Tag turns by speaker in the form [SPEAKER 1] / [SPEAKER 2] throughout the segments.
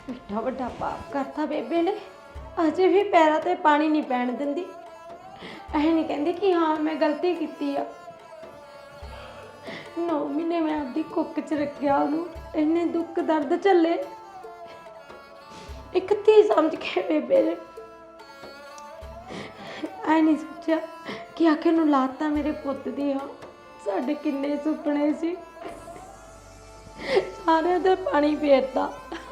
[SPEAKER 1] एड्डा वड्डा पाप करता बेबे ने अजे भी पैरों ते पानी नहीं पैण दिंदी ऐ नहीं कहती कि हाँ मैं गलती की आ 9 महीने मैं आपकी कुक च रखिया उन्होंने इन्ने दुख दर्द झले एक धी समझ के बेबे ने ऐ नहीं सोचा कि आखिर नूं लाता मेरे पुत दी हाँ साडे किन्ने सुपने सी सारे ते पानी फेरता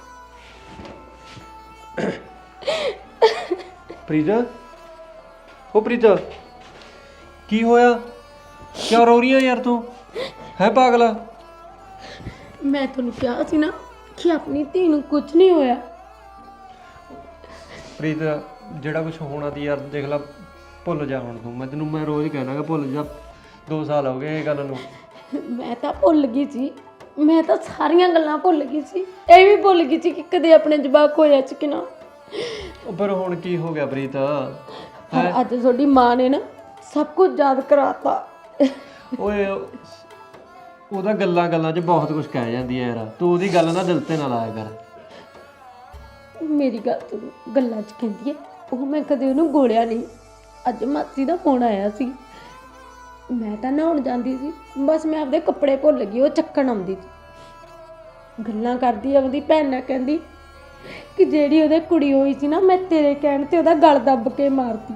[SPEAKER 2] प्रीता ओ प्रीता की होया क्या रो रही है यार तू है पागला
[SPEAKER 1] मैं तुहानूं कहा सी ना कि अपनी धी नूं कुछ नहीं होया
[SPEAKER 2] प्रीता जेड़ा कुछ होना ती यार देख ला भुल जा हुण तू मैं रोज़ कहना कि भुल जा 2 साल हो गए ये गल नूं
[SPEAKER 1] मैं तो भुल गई सी मैं तो सारियां गल्लां भुल गई सी ये भी भुल गई सी कि कदे अपने जवाक होया च कि ना
[SPEAKER 2] पर हुण की हो गया प्रीता
[SPEAKER 1] पर अज थोड़ी मां ने ना सब कुछ याद कराता
[SPEAKER 2] ओए ਉਹਦਾ ਗੱਲਾਂ ਚ ਬਹੁਤ ਕੁਝ ਕਹਿ ਜਾਂਦੀ ਹੈ ਯਾਰ ਤੂੰ ਉਹਦੀ ਗੱਲ ਨਾ ਦਿਲ ਤੇ ਨਾ ਲਾਇਆ ਕਰ
[SPEAKER 1] ਮੇਰੀ ਗੱਲ ਤੂੰ ਗੱਲਾਂ 'ਚ ਕਹਿੰਦੀ ਹੈ ਉਹ ਮੈਂ ਕਦੇ ਉਹਨੂੰ ਗੋਲਿਆ ਨਹੀਂ ਅੱਜ ਮਾਸੀ ਦਾ ਫੋਨ ਆਇਆ ਸੀ ਮੈਂ ਤਾਂ ਨਹਾਉਣ ਜਾਂਦੀ ਸੀ ਬਸ ਮੈਂ ਆਪਦੇ ਕੱਪੜੇ ਭੁੱਲ ਗਈ ਉਹ ਚੱਕਣ ਆਉਂਦੀ ਸੀ ਗੱਲਾਂ ਕਰਦੀ ਆਪਦੀ ਭੈਣ ਨਾਲ ਕਹਿੰਦੀ ਕਿ ਜਿਹੜੀ ਉਹਦੇ ਕੁੜੀ ਹੋਈ ਸੀ ਨਾ ਮੈਂ ਤੇਰੇ ਕਹਿਣ ਤੇ ਉਹਦਾ ਗਲ ਦੱਬ ਕੇ ਮਾਰਤੀ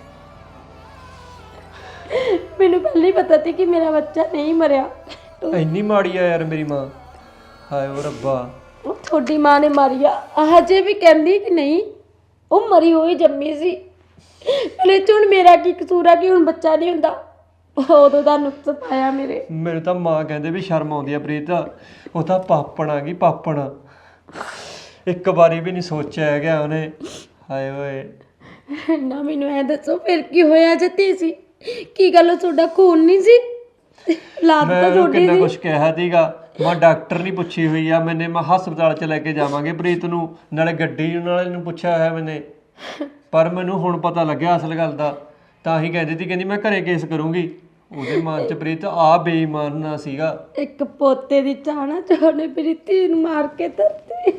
[SPEAKER 1] ਮੈਨੂੰ ਪਹਿਲਾਂ ਹੀ ਪਤਾ ਸੀ ਕਿ ਮੇਰਾ ਬੱਚਾ ਨਹੀਂ ਮਰਿਆ
[SPEAKER 2] ਇੰਨੀ ਮਾੜੀ ਆ ਯਾਰ ਮੇਰੀ ਮਾਂ ਹਾਏ ਓ ਰੱਬਾ
[SPEAKER 1] ਉਹ ਤੁਹਾਡੀ ਮਾਂ ਨੇ ਮਾਰੀ ਆ ਹਜੇ ਵੀ ਕਹਿੰਦੀ ਕਿ ਨਹੀਂ ਉਹ ਮਰੀ ਹੋਈ ਜੰਮੀ ਸੀ ਭਲੇ ਚ ਹੁਣ ਮੇਰਾ ਕੀ ਕਸੂਰ ਆ ਕਿ ਹੁਣ ਬੱਚਾ ਨਹੀਂ ਹੁੰਦਾ ਉਦੋਂ ਦਾ ਨੁਕਸ ਪਾਇਆ ਮੇਰੇ
[SPEAKER 2] ਮੈਨੂੰ ਤਾਂ ਮਾਂ ਕਹਿੰਦੇ ਵੀ ਸ਼ਰਮ ਆਉਂਦੀ ਆ ਪ੍ਰੀਤ ਉਹ ਤਾਂ ਪਾਪਣ ਆ ਗਈ ਪਾਪਣ ਇੱਕ ਵਾਰੀ ਵੀ ਨਹੀਂ ਸੋਚਿਆ ਹੈਗਾ ਉਹਨੇ ਹਾਏ ਓਏ
[SPEAKER 1] ਨਾ ਮੈਨੂੰ ਐ ਦੱਸੋ ਫਿਰ ਕੀ ਹੋਇਆ ਜੱਤੀ ਸੀ ਕੀ ਗੱਲ ਤੁਹਾਡਾ ਖੂਨ ਨਹੀਂ ਸੀ ਲਾਤ ਤਾਂ ਛੋਟੀ
[SPEAKER 2] ਕਿੰਨਾ
[SPEAKER 1] ਸੀ
[SPEAKER 2] ਕੁਛ ਕਿਹਾ ਸੀਗਾ ਮੈਂ ਡਾਕਟਰ ਨਹੀਂ ਪੁੱਛੀ ਹੋਈ ਆ ਮੈਨੇ ਮੈਂ ਹਸਪਤਾਲ ਚ ਲੈ ਕੇ ਜਾਵਾਂਗੇ ਪ੍ਰੀਤ ਨੂੰ ਨਾਲੇ ਗੱਡੀ ਨਾਲੇ ਨੂੰ ਪੁੱਛਿਆ ਹੋਇਆ ਮੈਨੇ ਪਰ ਮੈਨੂੰ ਹੁਣ ਪਤਾ ਲੱਗਿਆ ਅਸਲ ਗੱਲ ਦਾ ਤਾਂ ਹੀ ਕਹਿੰਦੀ ਸੀ ਕਹਿੰਦੀ ਮੈਂ ਘਰੇ ਕੇਸ ਕਰੂੰਗੀ ਉਹਦੇ ਮਨ ਚ ਪ੍ਰੀਤ ਆ ਬੇਈਮਾਨ ਨਾ ਸੀਗਾ
[SPEAKER 1] ਇੱਕ ਪੋਤੇ ਦੀ ਚਾਹਨਾ ਚਾਹਨੇ ਮੇਰੀ ਧੀ ਨੂੰ ਮਾਰ ਕੇ ਧਰਤੀ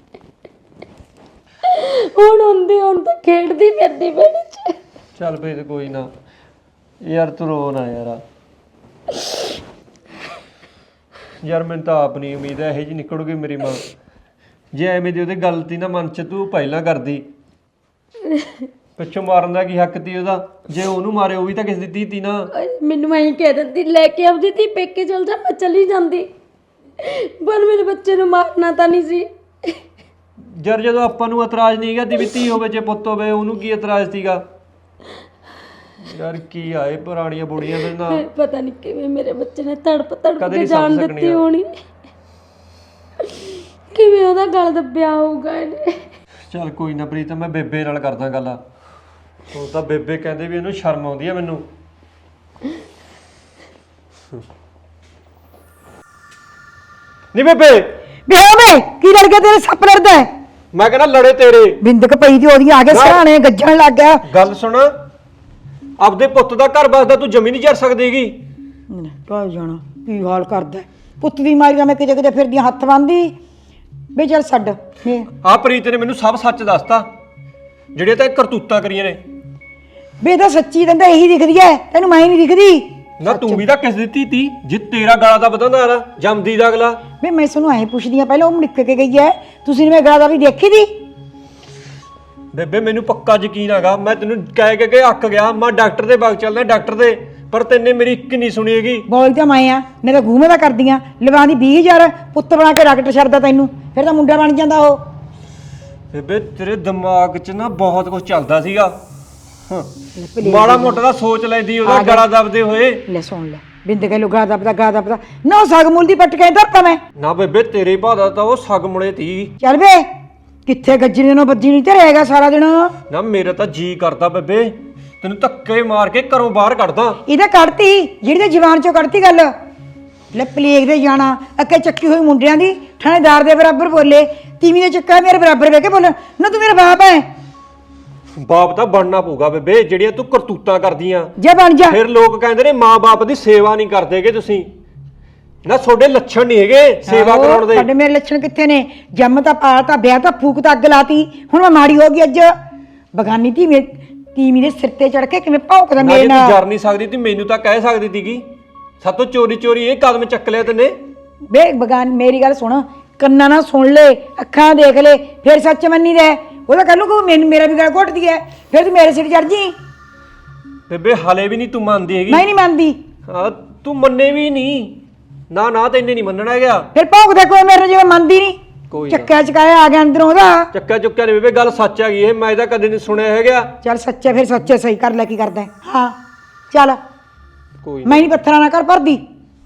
[SPEAKER 1] ਹੁਣ ਤਾਂ ਖੇਡਦੀ ਫਿਰਦੀ ਬੇੜੀ ਚ
[SPEAKER 2] ਚੱਲ ਪ੍ਰੀਤ ਕੋਈ ਨਾ ਯਾਰ ਤੂੰ ਰੋ ਨਾ ਯਾਰ ਮੈਨੂੰ ਤਾਂ ਆਪ ਨਹੀਂ ਉਮੀਦ ਹੈ ਇਹੋ ਜਿਹੀ ਨਿਕਲੂਗੀ ਮੇਰੀ ਮਾਂ ਜੇ ਐਵੇਂ ਦੀ ਉਹਦੇ ਗਲਤੀ ਨਾ ਮਨ ਚ ਤੂੰ ਪਹਿਲਾਂ ਕਰਦੀ ਪਿੱਛੋਂ ਮਾਰਨ ਦਾ ਕੀ ਹੱਕ ਤੀ ਉਹਦਾ ਜੇ ਉਹਨੂੰ ਮਾਰੇ ਉਹ ਵੀ ਤਾਂ ਕਿਸੇ ਦੀ ਧੀ ਤੀ ਨਾ
[SPEAKER 1] ਮੈਨੂੰ ਐਂ ਕਹਿ ਦਿੰਦੀ ਲੈ ਕੇ ਆਉਂਦੀ ਤੀ ਪੇਕੇ ਚਲ ਜਾ ਮੈਂ ਚਲੀ ਜਾਂਦੀ ਪਰ ਮੇਰੇ ਬੱਚੇ ਨੂੰ ਮਾਰਨਾ ਤਾਂ ਨਹੀਂ ਸੀ
[SPEAKER 2] ਯਾਰ ਜਦੋਂ ਆਪਾਂ ਨੂੰ ਇਤਰਾਜ਼ ਨਹੀਂ ਹੈਗਾ ਵੀ ਧੀ ਹੋਵੇ ਜੇ ਪੁੱਤ ਹੋਵੇ ਉਹਨੂੰ ਕੀ ਇਤਰਾਜ਼ ਸੀਗਾ ਯਾਰ ਕੀ ਆਏ ਪੁਰਾਣੀਆਂ ਬੁੜੀਆਂ ਦੇ ਨਾਲ
[SPEAKER 1] ਪਤਾ ਨਹੀਂ ਕਿਵੇਂ ਮੇਰੇ ਬੱਚੇ ਨੇ ਤੜਪ ਕੇ ਜਾਨ ਦਿੱਤੀ ਹੋਣੀ ਕਿਵੇਂ ਉਹਦਾ ਗਲ ਦੱਬਿਆ ਹੋਊਗਾ ਇਹਨੇ
[SPEAKER 2] ਚੱਲ ਕੋਈ ਨਾ ਪ੍ਰੀਤ ਮੈਂ ਬੇਬੇ ਨਾਲ ਕਰਦਾ ਗੱਲ ਉਹ ਤਾਂ ਬੇਬੇ ਕਹਿੰਦੇ ਵੀ ਇਹਨੂੰ ਸ਼ਰਮ ਆਉਂਦੀ ਆ ਮੈਨੂੰ ਨਹੀਂ ਬੇਬੇ
[SPEAKER 3] ਵੇ ਕੀ ਲੜ ਗਿਆ ਤੇਰੇ ਸੱਪ ਲੜਦਾ ਹੈ?
[SPEAKER 2] ਮੈਂ ਕਹਿੰਦਾ ਲੜੇ ਤੇਰੇ
[SPEAKER 3] ਬਿੰਦਕ ਪਈ ਦੀ ਉਹਦੀਆਂ ਆ ਕੇ ਸਰਾਣੇ ਗੱਜਣ ਲੱਗ ਗਿਆ
[SPEAKER 2] ਗੱਲ ਸੁਣ ਆਪਦੇ ਪੁੱਤ ਦਾ ਘਰ ਵਸਦਾ ਤੂੰ ਜ਼ਮੀਨ ਨਹੀਂ ਜਰ ਸਕਦੀਗੀ
[SPEAKER 3] ਟਾਇ ਜਾਣਾ ਕੀ ਹਾਲ ਕਰਦਾ ਹੈ? ਪੁੱਤ ਦੀ ਮਾਰੀ ਦਾ ਮੈਂ ਕਿਤੇ ਫਿਰਦੀਆਂ ਹੱਥ ਬੰਨਦੀ ਵੇ ਚੱਲ ਛੱਡ
[SPEAKER 2] ਆ ਪ੍ਰੀਤ ਨੇ ਮੈਨੂੰ ਸਭ ਸੱਚ ਦੱਸਤਾ ਜਿਹੜੇ ਤਾਂ ਕਰਤੂਤਾਂ ਕਰੀਆਂ ਨੇ
[SPEAKER 3] ਵੇ ਤਾਂ ਸੱਚੀ ਦੰਦਾ ਇਹੀ ਦਿਖਦੀ ਐ ਤੈਨੂੰ ਮੈਂ ਨਹੀਂ ਦਿਖਦੀ
[SPEAKER 2] ਨਾ ਤੂੰ ਵੀ ਤਾਂ ਕਿਸ ਦਿੱਤੀ ਤੀ ਜੇ ਤੇਰਾ ਗਲਾ ਦਾ ਵਧਾਉਂਦਾ ਨਾ ਜੰਮਦੀ ਦਾ ਅਗਲਾ
[SPEAKER 3] ਵੇ ਮੈਂ ਤੁਹਾਨੂੰ ਐਂ ਪੁੱਛਦੀ ਆ ਪਹਿਲਾਂ ਉਹ ਮੁੜਕ ਕੇ ਗਈ ਐ ਤੁਸੀਂ ਨੇ ਮੈਂ ਗਲਾਦਾਰੀ ਦੇਖੀ ਦੀ
[SPEAKER 2] ਬੇਬੇ ਮੈਨੂੰ ਪੱਕਾ ਯਕੀਨ ਹੈਗਾ ਮੈਂ ਤੈਨੂੰ ਕਹਿ ਕੇ ਅੱਕ ਗਿਆ ਮੈਂ ਡਾਕਟਰ ਦੇ ਬਾਗ ਚੱਲਦਾ ਡਾਕਟਰ ਦੇ ਪਰ ਤੈਨੇ ਮੇਰੀ ਇੱਕ ਨਹੀਂ ਸੁਣੀ ਹੈਗੀ
[SPEAKER 3] ਬੋਲ ਤਾਂ ਮੈਂ ਆ ਮੈਂ ਤਾਂ ਘੂਮੇ ਦਾ ਕਰਦੀਆਂ ਲਵਾਂਦੀ 20000 ਪੁੱਤ ਬਣਾ ਕੇ ਡਾਕਟਰ ਛੱਡਦਾ ਤੈਨੂੰ ਫਿਰ ਤਾਂ ਮੁੰਡਾ ਬਣ ਜਾਂਦਾ ਉਹ
[SPEAKER 2] ਬੇਬੇ ਤੇਰੇ ਦਿਮਾਗ 'ਚ ਨਾ ਬਹੁਤ ਕੁਝ ਚੱਲਦਾ ਸੀਗਾ ਮਾੜਾ ਮੋਟਾ ਦਾ ਸੋਚ ਲੈਂਦੀ ਉਹਦਾ ਗਲਾ ਦਬਦੇ ਹੋਏ
[SPEAKER 3] ਲੈ ਸੁਣ ਲੈ ਬਿੰਦ ਕੇ ਲੁਗਾ ਦਬਦਾ ਨਾ ਸਗ ਮੁੱਲ ਦੀ ਪੱਟ ਕੇ ਧਰਤਾ ਮੈਂ
[SPEAKER 2] ਨਾ ਬੇਬੇ ਤੇਰੇ ਭਾਦਾ ਤਾਂ ਉਹ ਸਗ ਮੁੜੇ ਤੀ
[SPEAKER 3] ਚੱਲ ਵੇ ਕਿੱਥੇ ਗੱਜਰੀ ਨੂੰ ਬੱਜੀ ਨਹੀਂ ਤੇ ਰਹੇਗਾ ਸਾਰਾ ਦਿਨ
[SPEAKER 2] ਨਾ ਮੇਰਾ ਤਾਂ ਜੀ ਕਰਦਾ ਬੇਬੇ ਤੈਨੂੰ ਧੱਕੇ ਮਾਰ ਕੇ ਘਰੋਂ ਬਾਹਰ ਕੱਢਦਾ
[SPEAKER 3] ਇਹਦਾ ਕੱਢਤੀ ਜਿਹੜੀ ਤੇ ਜਵਾਨ ਚੋਂ ਕੱਢਤੀ ਗੱਲ ਲੈ ਪਲੇਗ ਦੇ ਜਾਣਾ ਅੱਕੇ ਚੱਕੀ ਹੋਈ ਮੁੰਡਿਆਂ ਦੀ ਥਾਣੇਦਾਰ ਦੇ ਬਰਾਬਰ ਬੋਲੇ ਤੀਵੀਂ ਦੇ ਚੱਕਾ ਮੇਰੇ ਬਰਾਬਰ ਵੇ ਕੇ ਬੋਲ ਨਾ ਤੂੰ ਮੇਰਾ ਬਾਪ ਹੈ
[SPEAKER 2] ਬਾਪ ਤਾਂ ਬਣਨਾ ਪਊਗਾ ਬੇਬੇ ਜਿਹੜੀਆਂ ਤੂੰ ਕਰਤੂਤਾਂ ਕਰਦੀਆਂ
[SPEAKER 3] ਜੇ ਬਣ ਜਾ
[SPEAKER 2] ਫਿਰ ਲੋਕ ਕਹਿੰਦੇ ਨੇ ਮਾਂ ਬਾਪ ਦੀ ਸੇਵਾ ਨਹੀਂ ਕਰਦੇਗੇ ਤੁਸੀਂ ਨਾ ਤੁਹਾਡੇ ਲੱਛਣ ਨਹੀਂ ਹੈਗੇ ਸੇਵਾ
[SPEAKER 3] ਆਹੋ,
[SPEAKER 2] ਕਰਾਉਣ ਦੇ।
[SPEAKER 3] ਸਾਡੇ ਮੇਰੇ ਲੱਛਣ ਕਿੱਥੇ ਨੇ? ਜੰਮ ਤਾਂ ਪਾਲਤਾ, ਵਿਆਹ ਤਾਂ ਫੂਕ ਤਾਂ ਅੱਗ ਲਾਤੀ, ਹੁਣ ਮੈਂ ਮਾੜੀ ਹੋ ਗਈ ਅੱਜ। ਬਗਾਨੀ ਧੀ ਮੇਰੇ ਸਿਰ ਤੇ ਚੜ ਕੇ ਕਿਵੇਂ ਭੌਂਕਦਾ
[SPEAKER 2] ਨਾ
[SPEAKER 3] ਮੇਰੇ
[SPEAKER 2] ਜੇ ਤੂੰ
[SPEAKER 3] ਨਾਲ।
[SPEAKER 2] ਜਰ ਨਹੀਂ ਸਕਦੀ ਤੀ ਮੈਨੂੰ ਤਾਂ ਕਹਿ ਸਕਦੀ ਤੀਗੀ। ਸਾਤੋਂ ਚੋਰੀ ਚੋਰੀ ਇਹ ਕਦਮ ਚੱਕ ਲਿਆ ਤੈਨੇ।
[SPEAKER 3] ਬੇ ਬਗਾਨ ਮੇਰੀ ਗੱਲ ਸੁਣ, ਕੰਨਾਂ ਨਾਲ ਸੁਣ ਲੈ, ਅੱਖਾਂ ਦੇਖ ਲੈ, ਫਿਰ ਸੱਚ ਮੰਨੀ ਦੇ। ਉਹ ਤਾਂ ਕੱਲੂ ਕੋ ਮੈਨੂੰ ਮੇਰਾ ਵੀ ਗਲ ਘੁੱਟਦੀ ਹੈ, ਫਿਰ ਤੂੰ ਮੇਰੇ ਸਿਰ ਚੜ ਜੀ।
[SPEAKER 2] ਬੇਬੇ ਹਲੇ ਵੀ ਨਹੀਂ ਤੂੰ ਮੰਨਦੀ ਹੈਗੀ।
[SPEAKER 3] ਮੈਂ ਨਹੀਂ ਮੰਨਦੀ।
[SPEAKER 2] ਹਾਂ ਤੂੰ ਮੰਨੇ ਵੀ ਨਹੀਂ। ਨਾ ਨਾ ਤੈਨੇ ਨਹੀਂ ਮੰਨਣਾ ਹੈਗਾ।
[SPEAKER 3] ਫਿਰ ਭੌਂਕਦਾ ਕੋਈ ਮੇਰੇ ਨਾਲ ਜਿਵੇਂ ਮੰਨਦੀ ਨਹੀਂ।
[SPEAKER 2] ਕੋਈ ਨਾ।
[SPEAKER 3] ਚੱਕਿਆ ਚਕਾਇਆ ਆ ਗਿਆ ਅੰਦਰੋਂ ਉਹਦਾ।
[SPEAKER 2] ਚੱਕਾ ਚੁੱਕਿਆ ਨਹੀਂ ਬੇਬੇ, ਗੱਲ ਸੱਚ ਹੈਗੀ ਇਹ, ਮੈਂ ਤਾਂ ਕਦੇ ਨਹੀਂ ਸੁਣਿਆ ਹੈਗਾ।
[SPEAKER 3] ਚੱਲ ਸੱਚੇ, ਫਿਰ ਸੱਚੇ ਸਹੀ ਕਰ ਲੈ, ਕੀ ਕਰਦਾ ਹੈ। ਹਾਂ ਚੱਲ,
[SPEAKER 2] ਕੋਈ
[SPEAKER 3] ਮੈਂ ਨਹੀਂ ਪੱਥਰਾਂ ਨਾਲ ਕਰ ਭਰਦੀ।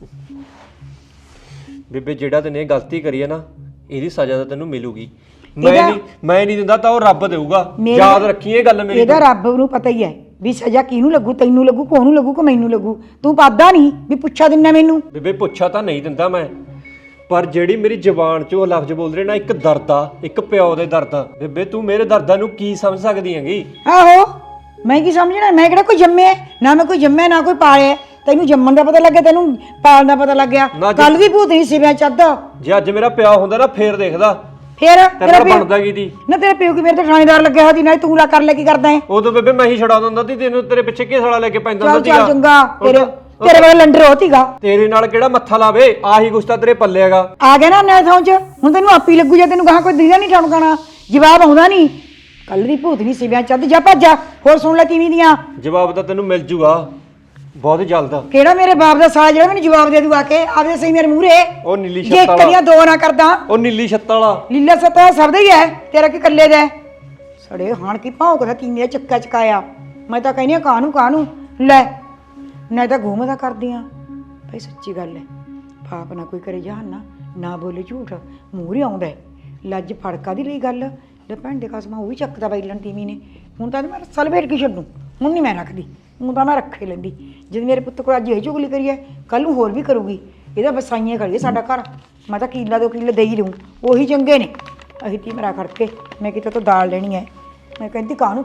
[SPEAKER 2] ਬੇਬੇ ਜਿਹੜਾ ਤੈਨੇ ਇਹ ਗਲਤੀ ਕਰੀ ਹੈ ਨਾ, ਇਹਦੀ ਸਜ਼ਾ ਤਾਂ ਤੈਨੂੰ ਮਿਲੂਗੀ। ਮੈਂ ਨਹੀਂ ਦਿੰਦਾ ਤਾਂ ਉਹ ਰੱਬ ਦੇਊਗਾ। ਯਾਦ ਰੱਖੀ ਇਹ ਗੱਲ ਮੇਰੀ।
[SPEAKER 3] ਇਹਦਾ ਰੱਬ ਨੂੰ ਪਤਾ ਹੀ ਹੈ ਵੀ ਸਜ਼ਾ ਕਿਹਨੂੰ ਲੱਗੂ, ਤੈਨੂੰ ਲੱਗੂ, ਕੋਹਨੂੰ ਲੱਗੂ, ਕਿ ਮੈਨੂੰ ਲੱਗੂ। ਤੂੰ ਪਾਦਾ ਨਹੀਂ ਵੀ ਪੁੱਛਾ ਦਿੰਨਾ ਮੈਨੂੰ।
[SPEAKER 2] ਬੇਬੇ ਪੁੱਛਾ ਤਾਂ ਨਹੀਂ ਦਿੰਦਾ ਮੈਂ, ਪਰ ਜਿਹੜੀ ਮੇਰੀ ਜ਼ੁਬਾਨ 'ਚੋਂ ਲਫ਼ਜ਼ ਬੋਲ ਰਹੇ ਨਾ, ਇੱਕ ਦਰਦ ਆ, ਇੱਕ ਪਿਓ ਦੇ ਦਰਦ ਆ। ਬੇਬੇ ਤੂੰ ਮੇਰੇ ਦਰਦਾਂ ਨੂੰ ਕੀ ਸਮਝ ਸਕਦੀ ਹੈਗੀ?
[SPEAKER 3] ਆਹੋ, ਮੈਂ ਕੀ ਸਮਝਣਾ? ਮੈਂ ਕਿਹੜਾ ਕੋਈ ਜੰਮਿਆ ਨਾ, ਮੈਂ ਕੋਈ ਜੰਮਿਆ ਨਾ ਕੋਈ ਪਾਲਿਆ। ਤੈਨੂੰ ਜੰਮਣ ਦਾ ਪਤਾ ਲੱਗਿਆ, ਤੈਨੂੰ ਪਾਲਣ ਦਾ ਪਤਾ ਲੱਗ ਗਿਆ। ਕੱਲ ਵੀ ਭੂਤ ਨਹੀਂ ਸਿਵਿਆਂ ਚੱਦ।
[SPEAKER 2] ਜੇ ਅੱਜ ਮੇਰਾ ਪਿਓ ਹੁੰਦਾ ਨਾ ਫੇਰ ਦੇਖਦਾ
[SPEAKER 3] ਫੇਰ
[SPEAKER 2] ਤੇਰਾ ਬਣਦਾ ਕੀ ਦੀ।
[SPEAKER 3] ਨਾ ਤੇਰੇ ਪਿਓ ਕੀ ਮੇਰੇ ਤੇ ਥਾਣੇਦਾਰ ਲੱਗਿਆ ਹੋਇਆ ਸੀ ਨਾ, ਤੂੰ ਲਾ ਕਰ ਲੈ, ਕੀ ਕਰਦਾ ਹੈ?
[SPEAKER 2] ਉਦੋਂ ਬੇਬੇ ਮੈਂ ਹੀ ਛਡਾ ਦਿੰਦਾ ਸੀ ਤੈਨੂੰ, ਤੇਰੇ ਪਿੱਛੇ ਕਿਸ ਵਾਲਾ ਲੈ ਕੇ ਪੈਂਦਾ
[SPEAKER 3] ਚੱਲ
[SPEAKER 2] ਹੁੰਦਾ
[SPEAKER 3] ਚੱਲ
[SPEAKER 2] ਸੀਗਾ।
[SPEAKER 3] ਚੰਗਾ, ਤੇਰੇ ਵਾਲਾ ਲੰਡਰ ਹੋਤੀਗਾ।
[SPEAKER 2] ਤੇਰੇ ਨਾਲ ਕਿਹੜਾ ਮੱਥਾ ਲਾਵੇ, ਆਹੀ ਕੁਛ ਤਾਂ ਤੇਰੇ ਪੱਲੇ ਹੈਗਾ।
[SPEAKER 3] ਆ ਗਿਆ ਨਾ ਨੈਥ ਚ, ਹੁਣ ਤੈਨੂੰ ਆਪੀ ਲੱਗੂ ਜੇ ਤੈਨੂੰ ਗਾਹਾਂ ਕੋਈ ਦਿਖਦਾ ਨਹੀਂ ਠਣਕਾਣਾ, ਜਵਾਬ ਆਉਂਦਾ ਨਹੀਂ। ਕੱਲ ਦੀ ਭੂਤ ਨਹੀਂ ਸਿਵਿਆਂ ਚੱਦ, ਜਾ ਭੱਜ ਜਾ। ਹੋਰ ਸੁਣ ਲੈ ਤੀਵੀਂ ਦੀਆਂ।
[SPEAKER 2] ਜਵਾਬ ਤਾਂ ਤੈਨੂੰ ਮਿਲ ਜੂਗਾ ਬਹੁਤ ਜਲਦ।
[SPEAKER 3] ਕਿਹੜਾ ਮੇਰੇ ਬਾਪ ਦਾ ਸਾਲਾ ਜਿਹੜਾ ਮੈਨੂੰ ਜਵਾਬ ਦੇ ਦੂ ਆ ਕੇ? ਆਪਦੇ ਸਹੀ ਮੇਰੇ ਮੂਹਰੇ।
[SPEAKER 2] ਉਹ ਨੀਲੀ
[SPEAKER 3] ਜੇ
[SPEAKER 2] ਛੱਤ ਵਾਲਾ,
[SPEAKER 3] ਕਰੀਆਂ ਦੋ ਨਾ ਕਰਦਾ।
[SPEAKER 2] ਉਹ ਨੀਲੀ ਛੱਤ ਵਾਲਾ।
[SPEAKER 3] ਲੀਲਾ ਸਤਾ ਸਭ ਦਾ ਹੀ ਹੈ, ਤੇਰਾ ਕੀ ਕੱਲੇ ਦਾ? ਸੜੇ ਹਾਣ ਕੀ ਭੌਂਕਦਾ ਤੀਵੀਂ ਦਾ ਚੱਕਾ ਚਕਾਇਆ। ਮੈਂ ਤਾਂ ਕਹਿੰਦੀ ਆ ਕਾਹਨੂੰ ਲੈ, ਨਾ ਤਾਂ ਘੂਮਦਾ ਕਰਦੀ ਆ। ਭਾਈ ਸੱਚੀ ਗੱਲ ਹੈ, ਪਾਪ ਨਾ ਕੋਈ ਕਰੇ ਜਹਾਨਾ, ਨਾ ਬੋਲੇ ਝੂਠ, ਮੂਹਰੇ ਆਉਂਦਾ ਹੈ। ਲੱਜ ਫੜਕਾ ਦੀ ਲਈ ਗੱਲ ਲੈ ਭੈਣ ਦੇ ਕਸਮਾਂ, ਉਹ ਵੀ ਚੱਕਦਾ ਬਾਈ ਲਣ ਤੀਵੀਂ ਨੇ। ਹੁਣ ਤਾਂ ਮੈਂ ਸਲਵੇਟ ਕੀ ਛੱਡੂ, ਹੁਣ ਨਹੀਂ ਮੈਂ ਰੱਖਦੀ, ਹੁਣ ਤਾਂ ਮੈਂ ਰੱਖੇ ਲੈਂਦੀ। ਜਦ ਮੇਰੇ ਪੁੱਤ ਕੋਲ ਅੱਜ ਇਹ ਚੁਗਲੀ ਕਰੀ ਹੈ, ਕੱਲ ਨੂੰ ਹੋਰ ਵੀ ਕਰੂਗੀ। ਇਹਦਾ ਵਸਾਈਆਂ ਖੜੀਏ ਸਾਡਾ ਘਰ। ਮੈਂ ਤਾਂ ਕਿੱਲਾ 2 ਕਿੱਲੇ ਦੇ ਹੀ ਦਊਂ, ਉਹੀ ਚੰਗੇ ਨੇ। ਅਸੀਂ ਤੀ ਮੇਰਾ ਖੜ ਕੇ ਮੈਂ ਕਿਤੇ ਤੋਂ ਦਾਲ ਲੈਣੀ ਹੈ। ਮੈਂ ਕਹਿੰਦੀ ਕਾਹਨੂੰ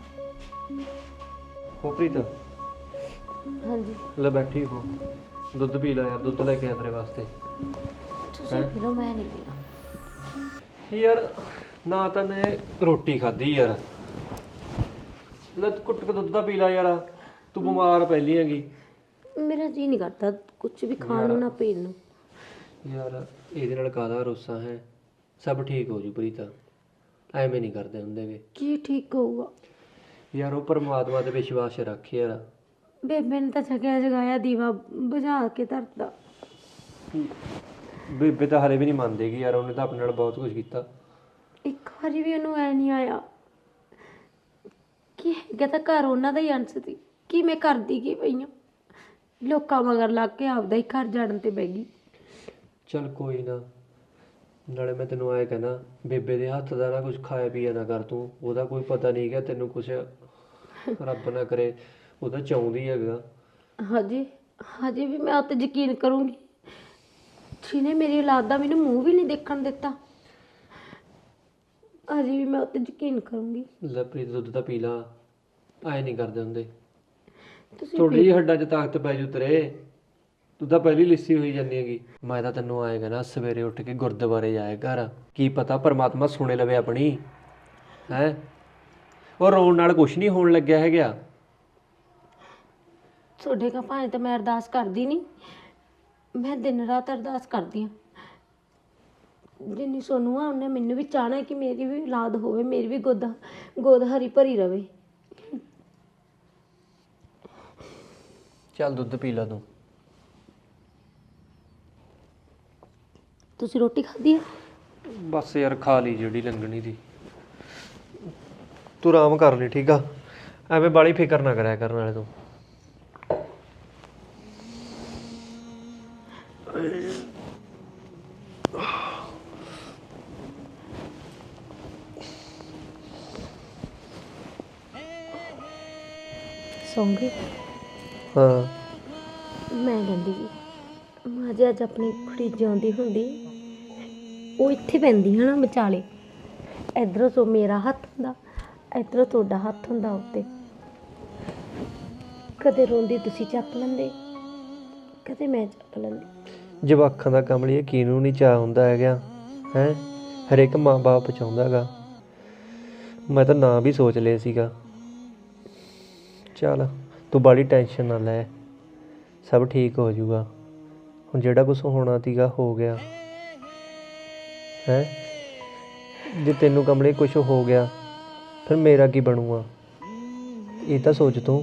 [SPEAKER 2] ਹੋ ਪ੍ਰੀਤ,
[SPEAKER 1] ਹਾਂਜੀ
[SPEAKER 2] ਲੈ ਬੈਠੀ ਹੋ, ਦੁੱਧ ਪੀ ਲੈ ਯਾਰ, ਦੁੱਧ ਲੈ ਕੇ ਆ ਤੇਰੇ ਵਾਸਤੇ।
[SPEAKER 1] ਤੁਸੀਂ ਪੀ ਲਓ, ਮੈਂ ਨਹੀਂ ਪੀਣਾ।
[SPEAKER 2] ਯਾਰ ਨਾ ਤਾਂ ਮੈਂ ਰੋਟੀ ਖਾਧੀ ਯਾਰ, ਲੈ ਕੁੱਟ ਕੇ ਦੁੱਧ ਦਾ ਪੀ ਲੈ ਯਾਰ, ਤੂੰ ਬਿਮਾਰ ਪਹਿਲੀ ਹੈਗੀ।
[SPEAKER 1] ਮੇਰਾ ਜੀ ਨਹੀਂ ਕਰਦਾ ਕੁਝ ਵੀ ਖਾਣ ਨੂੰ ਨਾ ਪੀਣ ਨੂੰ।
[SPEAKER 2] ਯਾਰ ਇਹਦੇ ਨਾਲ ਕਾਹਦਾ ਰੋਸਾ ਹੈ, ਸਭ ਠੀਕ ਹੋ ਜੂ ਪ੍ਰੀਤ, ਐਵੇਂ ਨਹੀਂ ਕਰਦੇ ਹੁੰਦੇ ਗੇ।
[SPEAKER 1] ਕੀ ਠੀਕ ਹੋਊਗਾ?
[SPEAKER 2] ਯਾਰ ਉਹ ਪਰਮਾਤਮਾ ਤੇ ਵਿਸ਼ਵਾਸ ਰੱਖ ਯਾਰ।
[SPEAKER 1] ਬੇਬੇ ਨੇ ਤਾਂ ਜਗਿਆ ਜਗਾਇਆ ਦੀਵਾ ਬੁਝਾ ਕੇ ਧਰਦਾ।
[SPEAKER 2] ਬੇਬੇ ਤਾਂ ਹਲੇ ਵੀ ਨਹੀਂ ਮੰਨਦੇਗੀ ਯਾਰ, ਉਹਨੇ ਤਾਂ ਆਪਣੇ ਨਾਲ ਬਹੁਤ ਕੁਝ ਕੀਤਾ।
[SPEAKER 1] ਇੱਕ ਵਾਰੀ ਵੀ ਉਹਨੂੰ ਐ ਨਹੀਂ ਆਇਆ ਕਿ ਹੈਗਾ ਤਾਂ ਘਰ ਉਹਨਾਂ ਦਾ ਹੀ ਅੰਸ਼ ਸੀ, ਕਿ ਮੈਂ ਕਰਦੀ ਕੀ ਪਈ ਹਾਂ। ਲੋਕਾਂ ਮਗਰ ਲੱਗ ਕੇ ਆਪਦਾ ਹੀ ਘਰ ਜਾਣ ਤੇ ਬਹਿ ਗਈ।
[SPEAKER 2] ਚੱਲ ਕੋਈ ਨਾ, ਨਾਲੇ ਮੈਂ ਤੈਨੂੰ ਆਏ ਕਹਿੰਦਾ, ਬੇਬੇ ਦੇ ਹੱਥ ਦਾ ਨਾ ਕੁਝ ਖਾਇਆ ਪੀਆ ਨਾ ਕਰ ਤੂੰ, ਉਹਦਾ ਕੋਈ ਪਤਾ ਨਹੀਂ ਹੈਗਾ ਤੈਨੂੰ ਕੁਛ, ਰੱਬ ਨਾ ਕਰੇ ਉਹਦਾ ਚਾਹੁੰਦੀ ਹੈਗਾ। ਹਜੇ ਵੀ ਮੈਂ ਉੱਤੇ ਯਕੀਨ ਕਰੂੰਗੀ ਜਿਹਨੇ ਮੇਰੀ ਔਲਾਦ ਦਾ ਮੈਨੂੰ ਮੂੰਹ ਵੀ ਨਹੀਂ ਦੇਖਣ ਦਿੱਤਾ। ਹਜੇ ਵੀ ਮੈਂ ਉੱਤੇ ਯਕੀਨ ਕਰੂੰਗੀ। ਲੈ ਪ੍ਰੀਤ ਦੁੱਧ ਤਾਂ ਪੀ ਲਾ, ਆਏ ਨਹੀਂ ਕਰਦੇ ਹੁੰਦੇ।
[SPEAKER 1] ਤੁਸੀਂ
[SPEAKER 2] ਥੋੜੀ ਜਿਹੀ ਹੱਡਾਂ 'ਚ ਤਾਕਤ ਪੈ ਜੂ ਤੇਰੇ, ਤੂੰ ਤਾਂ ਪਹਿਲੀ ਲਿੱਸੀ ਹੋਈ ਜਾਂਦੀ ਹੈਗੀ। ਮੈਂ ਤਾਂ ਤੈਨੂੰ ਆਏਗਾ ਨਾ, ਸਵੇਰੇ ਉੱਠ ਕੇ ਗੁਰਦੁਆਰੇ ਜਾਏ ਘਰ, ਕੀ ਪਤਾ ਪਰਮਾਤਮਾ ਸੁਣੇ ਲਵੇ ਆਪਣੀ ਹੈ। ਉਹ ਰੋਣ ਨਾਲ ਕੁਛ ਨਹੀਂ ਹੋਣ ਲੱਗਿਆ ਹੈਗਾ।
[SPEAKER 1] ਤੁਹਾਡੇ ਕਾ ਭਾਵੇਂ ਤਾਂ ਮੈਂ ਅਰਦਾਸ ਕਰਦੀ ਨਹੀਂ, ਮੈਂ ਦਿਨ ਰਾਤ ਅਰਦਾਸ ਕਰਦੀ ਹਾਂ। ਜਿੰਨੀ ਸੋਨੂੰ ਆ ਉਹਨੇ ਮੈਨੂੰ ਵੀ ਚਾਹਣਾ ਹੈ ਕਿ ਮੇਰੀ ਵੀ ਔਲਾਦ ਹੋਵੇ, ਮੇਰੀ ਵੀ ਗੋਦ ਹਰੀ ਭਰੀ ਰਵੇ।
[SPEAKER 2] ਚੱਲ ਦੁੱਧ ਪੀ ਲਾ ਤੂੰ।
[SPEAKER 1] ਤੁਸੀਂ ਰੋਟੀ ਖਾਧੀ ਹੈ?
[SPEAKER 2] ਬਸ ਯਾਰ ਖਾ ਲਈ ਜਿਹੜੀ ਲੰਗਣੀ ਦੀ, ਤੂੰ ਆਰਾਮ ਕਰ ਲਈ ਠੀਕ ਆ, ਐਵੇਂ ਬਾਲੀ ਫਿਕਰ ਨਾ ਕਰਿਆ ਕਰਨ ਵਾਲੇ ਤੂੰ।
[SPEAKER 1] ਸੌਂ ਗਏ?
[SPEAKER 2] ਹਾਂ
[SPEAKER 1] ਮੈਂ ਕਹਿੰਦੀ ਸੀ ਮਾਂ ਜੇ ਅੱਜ ਆਪਣੀ ਕੁੜੀ ਜਿਉਂਦੀ ਹੁੰਦੀ, ਉਹ ਇੱਥੇ ਪੈਂਦੀ ਹੈ ਨਾ ਵਿਚਾਲੇ, ਇੱਧਰੋਂ ਤੋਂ ਮੇਰਾ ਹੱਥ ਹੁੰਦਾ, ਇੱਧਰੋਂ ਤੁਹਾਡਾ ਹੱਥ ਹੁੰਦਾ ਉੱਤੇ। ਕਦੇ ਰੋਂਦੀ ਤੁਸੀਂ ਚੱਕ ਲੈਂਦੇ, ਕਦੇ ਮੈਂ ਚੱਕ ਲੈਂਦੀ।
[SPEAKER 2] ਜਵਾਕਾਂ ਦਾ ਕਮਲੀਏ ਕਿਹਨੂੰ ਨਹੀਂ ਚਾਹ ਹੁੰਦਾ ਹੈਗਾ ਹੈ। ਹਰੇਕ ਮਾਂ-ਬਾਪ ਚਾਹੁੰਦਾ ਹੈਗਾ। ਮੈਂ ਤਾਂ ਨਾਂ ਵੀ ਸੋਚ ਲਿਆ ਸੀਗਾ। ਚੱਲ ਤੂੰ ਬਾਹਲੀ ਟੈਨਸ਼ਨ ਨਾ ਲੈ, ਸਭ ਠੀਕ ਹੋ ਜਾਊਗਾ। ਹੁਣ ਜਿਹੜਾ ਕੁਛ ਹੋਣਾ ਸੀਗਾ ਹੋ ਗਿਆ ਹੈ। ਜੇ ਤੈਨੂੰ ਕਮਲੇ ਕੁਛ ਹੋ ਗਿਆ ਫਿਰ ਮੇਰਾ ਕੀ ਬਣੂਗਾ, ਇਹ ਤਾਂ ਸੋਚ ਤੂੰ।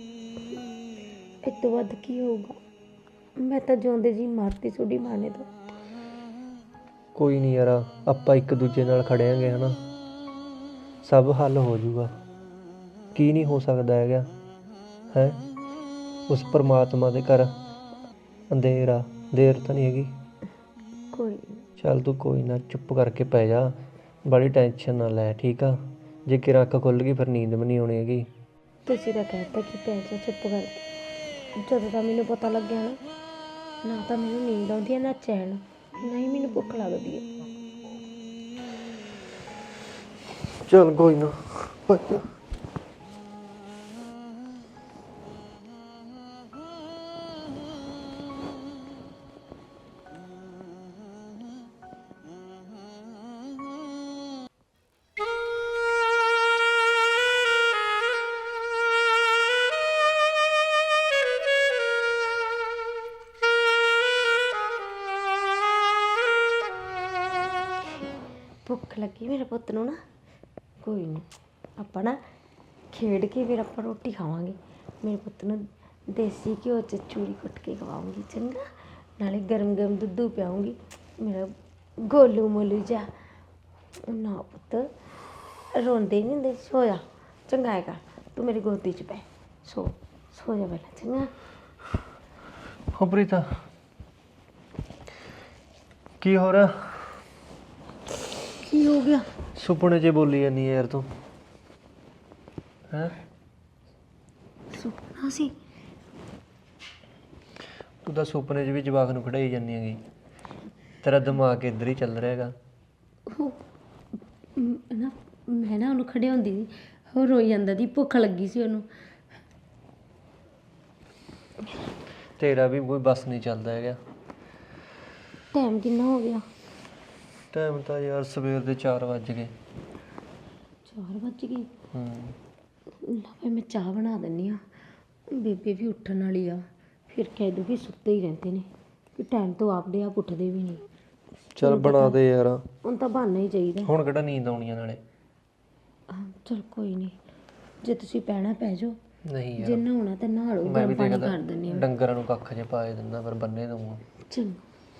[SPEAKER 1] ਇਸ ਤੋਂ ਵੱਧ ਕੀ ਹੋਊਗਾ? ਮੈਂ ਤਾਂ ਜਿਉਂਦੇ ਜੀ ਮਾਰਤੀ ਤੁਹਾਡੀ ਮਾਂ ਨੇ ਤਾਂ।
[SPEAKER 2] ਕੋਈ ਨਹੀਂ ਯਾਰ, ਆਪਾਂ ਇੱਕ ਦੂਜੇ ਨਾਲ ਖੜਿਆਂਗੇ ਹਨਾ, ਸਭ ਹੱਲ ਹੋ ਜਾਊਗਾ। ਕੀ ਨਹੀਂ ਹੋ ਸਕਦਾ ਹੈਗਾ ਹੈ। ਉਸ ਪਰਮਾਤਮਾ ਦੇ ਘਰ ਅੰਧੇਰ ਆ, ਦੇਰ ਤਾਂ ਨਹੀਂ ਹੈਗੀ।
[SPEAKER 1] ਕੋਈ ਨੀ।
[SPEAKER 2] ਚੱਲ ਤੂੰ ਕੋਈ ਨਾ ਚੁੱਪ ਕਰਕੇ ਪੈ ਜਾ, ਬੜੀ ਟੈਨਸ਼ਨ ਨਾ ਲੈ ਠੀਕ ਆ। ਜੇ ਕਿ ਅੱਖ ਖੁੱਲ੍ਹ ਗਈ ਫਿਰ ਨੀਂਦ ਵੀ ਨਹੀਂ ਆਉਣੀ ਹੈਗੀ।
[SPEAKER 1] ਤੁਸੀਂ ਤਾਂ ਕਹਿਤਾ ਕਿ ਪੈ ਜਾ ਚੁੱਪ ਕਰਕੇ। ਜਦੋਂ ਦਾ ਮੈਨੂੰ ਪਤਾ ਲੱਗਿਆ ਨਾ ਤਾਂ ਮੈਨੂੰ ਨੀਂਦ ਆਉਂਦੀ ਹੈ ਨਾ ਚੈਨ, ਨਾ ਹੀ ਮੈਨੂੰ ਭੁੱਖ ਲੱਗਦੀ ਹੈ।
[SPEAKER 2] ਚੱਲ ਕੋਈ ਨਾ ਪੈ ਜਾ।
[SPEAKER 1] ਭੁੱਖ ਲੱਗੀ ਮੇਰੇ ਪੁੱਤ ਨੂੰ ਨਾ, ਕੋਈ ਨਹੀਂ ਆਪਾਂ ਨਾ ਖੇਡ ਕੇ ਫਿਰ ਆਪਾਂ ਰੋਟੀ ਖਾਵਾਂਗੇ। ਮੇਰੇ ਪੁੱਤ ਨੂੰ ਦੇਸੀ ਘਿਓ 'ਚ ਚੂਰੀ ਕੁੱਟ ਕੇ ਖਵਾਉਂਗੀ ਚੰਗਾ, ਨਾਲੇ ਗਰਮ ਗਰਮ ਦੁੱਧ ਪਿਆਉਂਗੀ। ਮੇਰਾ ਗੋਲੂ ਮੋਲੂ ਜਾ ਨਾ ਪੁੱਤ ਰੋਂਦੇ ਨਹੀਂ ਹੁੰਦੇ। ਸੋ ਜਾ ਚੰਗਾ ਹੈਗਾ, ਤੂੰ ਮੇਰੀ ਗੋਦੀ 'ਚ ਪੈ, ਸੋ ਜਾ ਪਹਿਲਾਂ ਚੰਗਾ।
[SPEAKER 2] ਹੋ ਪ੍ਰੀਤਾ ਕੀ ਹੋ ਰਿਹਾ?
[SPEAKER 1] ਕੀ ਹੋ ਗਿਆ?
[SPEAKER 2] ਸੁਪਨੇ 'ਚ ਬੋਲੀ ਜਾਂਦੀ ਯਾਰ ਤੂੰ ਹੈ।
[SPEAKER 1] ਸੁਪਨਾ ਸੀ?
[SPEAKER 2] ਤੂੰ ਤਾਂ ਸੁਪਨੇ 'ਚ ਵੀ ਜਵਾਕ ਨੂੰ ਖੜਾਈ ਜਾਂਦੀ ਹੈਗੀ। ਤੇਰਾ ਦਿਮਾਗ ਇੱਧਰ ਹੀ ਚੱਲ ਰਿਹਾ ਹੈਗਾ।
[SPEAKER 1] ਉਹ ਨਾ ਮੈਂ ਨਾ ਉਹਨੂੰ ਖੜੇ ਹੁੰਦੀ ਸੀ, ਉਹ ਰੋਈ ਜਾਂਦਾ ਦੀ, ਭੁੱਖ ਲੱਗੀ ਸੀ ਉਹਨੂੰ।
[SPEAKER 2] ਤੇਰਾ ਵੀ ਕੋਈ ਬਸ ਨਹੀਂ ਚੱਲਦਾ ਹੈਗਾ।
[SPEAKER 1] ਟਾਈਮ ਕਿੰਨਾ ਹੋ ਗਿਆ?
[SPEAKER 2] ਟਾਈਮ ਤਾਂ ਯਾਰ ਸਵੇਰ ਦੇ 4 ਵੱਜ ਗਏ।
[SPEAKER 1] 4 ਵੱਜ ਗਏ।
[SPEAKER 2] ਹੂੰ
[SPEAKER 1] ਲਾ ਮੈਂ ਚਾਹ ਬਣਾ ਦਿੰਦੀ ਆ, ਬੇਬੇ ਵੀ ਉੱਠਣ ਵਾਲੀ ਆ, ਫਿਰ ਕਹਿ ਦੂ ਕਿ ਸੁੱਤੇ ਹੀ ਰਹਿੰਦੇ ਨੇ, ਕਿ ਟਾਈਮ ਤੋਂ ਆਪਦੇ ਆਪ ਉੱਠਦੇ ਵੀ ਨਹੀਂ।
[SPEAKER 2] ਚੱਲ ਬਣਾ ਦੇ ਯਾਰ,
[SPEAKER 1] ਹੁਣ ਤਾਂ ਬਹਾਨਾ ਹੀ ਚਾਹੀਦਾ।
[SPEAKER 2] ਹੁਣ ਕਿਹੜਾ ਨੀਂਦ ਆਉਣੀ ਆ ਨਾਲੇ।
[SPEAKER 1] ਚਲ ਕੋਈ ਨਹੀਂ, ਜੇ ਤੁਸੀਂ ਪੈਣਾ ਪੈ ਜਾਓ,
[SPEAKER 2] ਨਹੀਂ
[SPEAKER 1] ਜੇ
[SPEAKER 2] ਯਾਰ
[SPEAKER 1] ਨਹਾਉਣਾ ਤਾਂ ਨਹਾ ਲਓ,
[SPEAKER 2] ਮੈਂ ਵੀ
[SPEAKER 1] ਗਰਮ ਪਾਣੀ
[SPEAKER 2] ਦੇਖਦਾ
[SPEAKER 1] ਕਰ ਦਿੰਦੀ ਆ।
[SPEAKER 2] ਡੰਗਰਾਂ ਨੂੰ ਕੱਖ ਜੇ ਪਾ ਦਿੰਦਾ ਫਿਰ ਬੰਨੇ ਦਊਂਗਾ।
[SPEAKER 1] ਚੰਗਾ।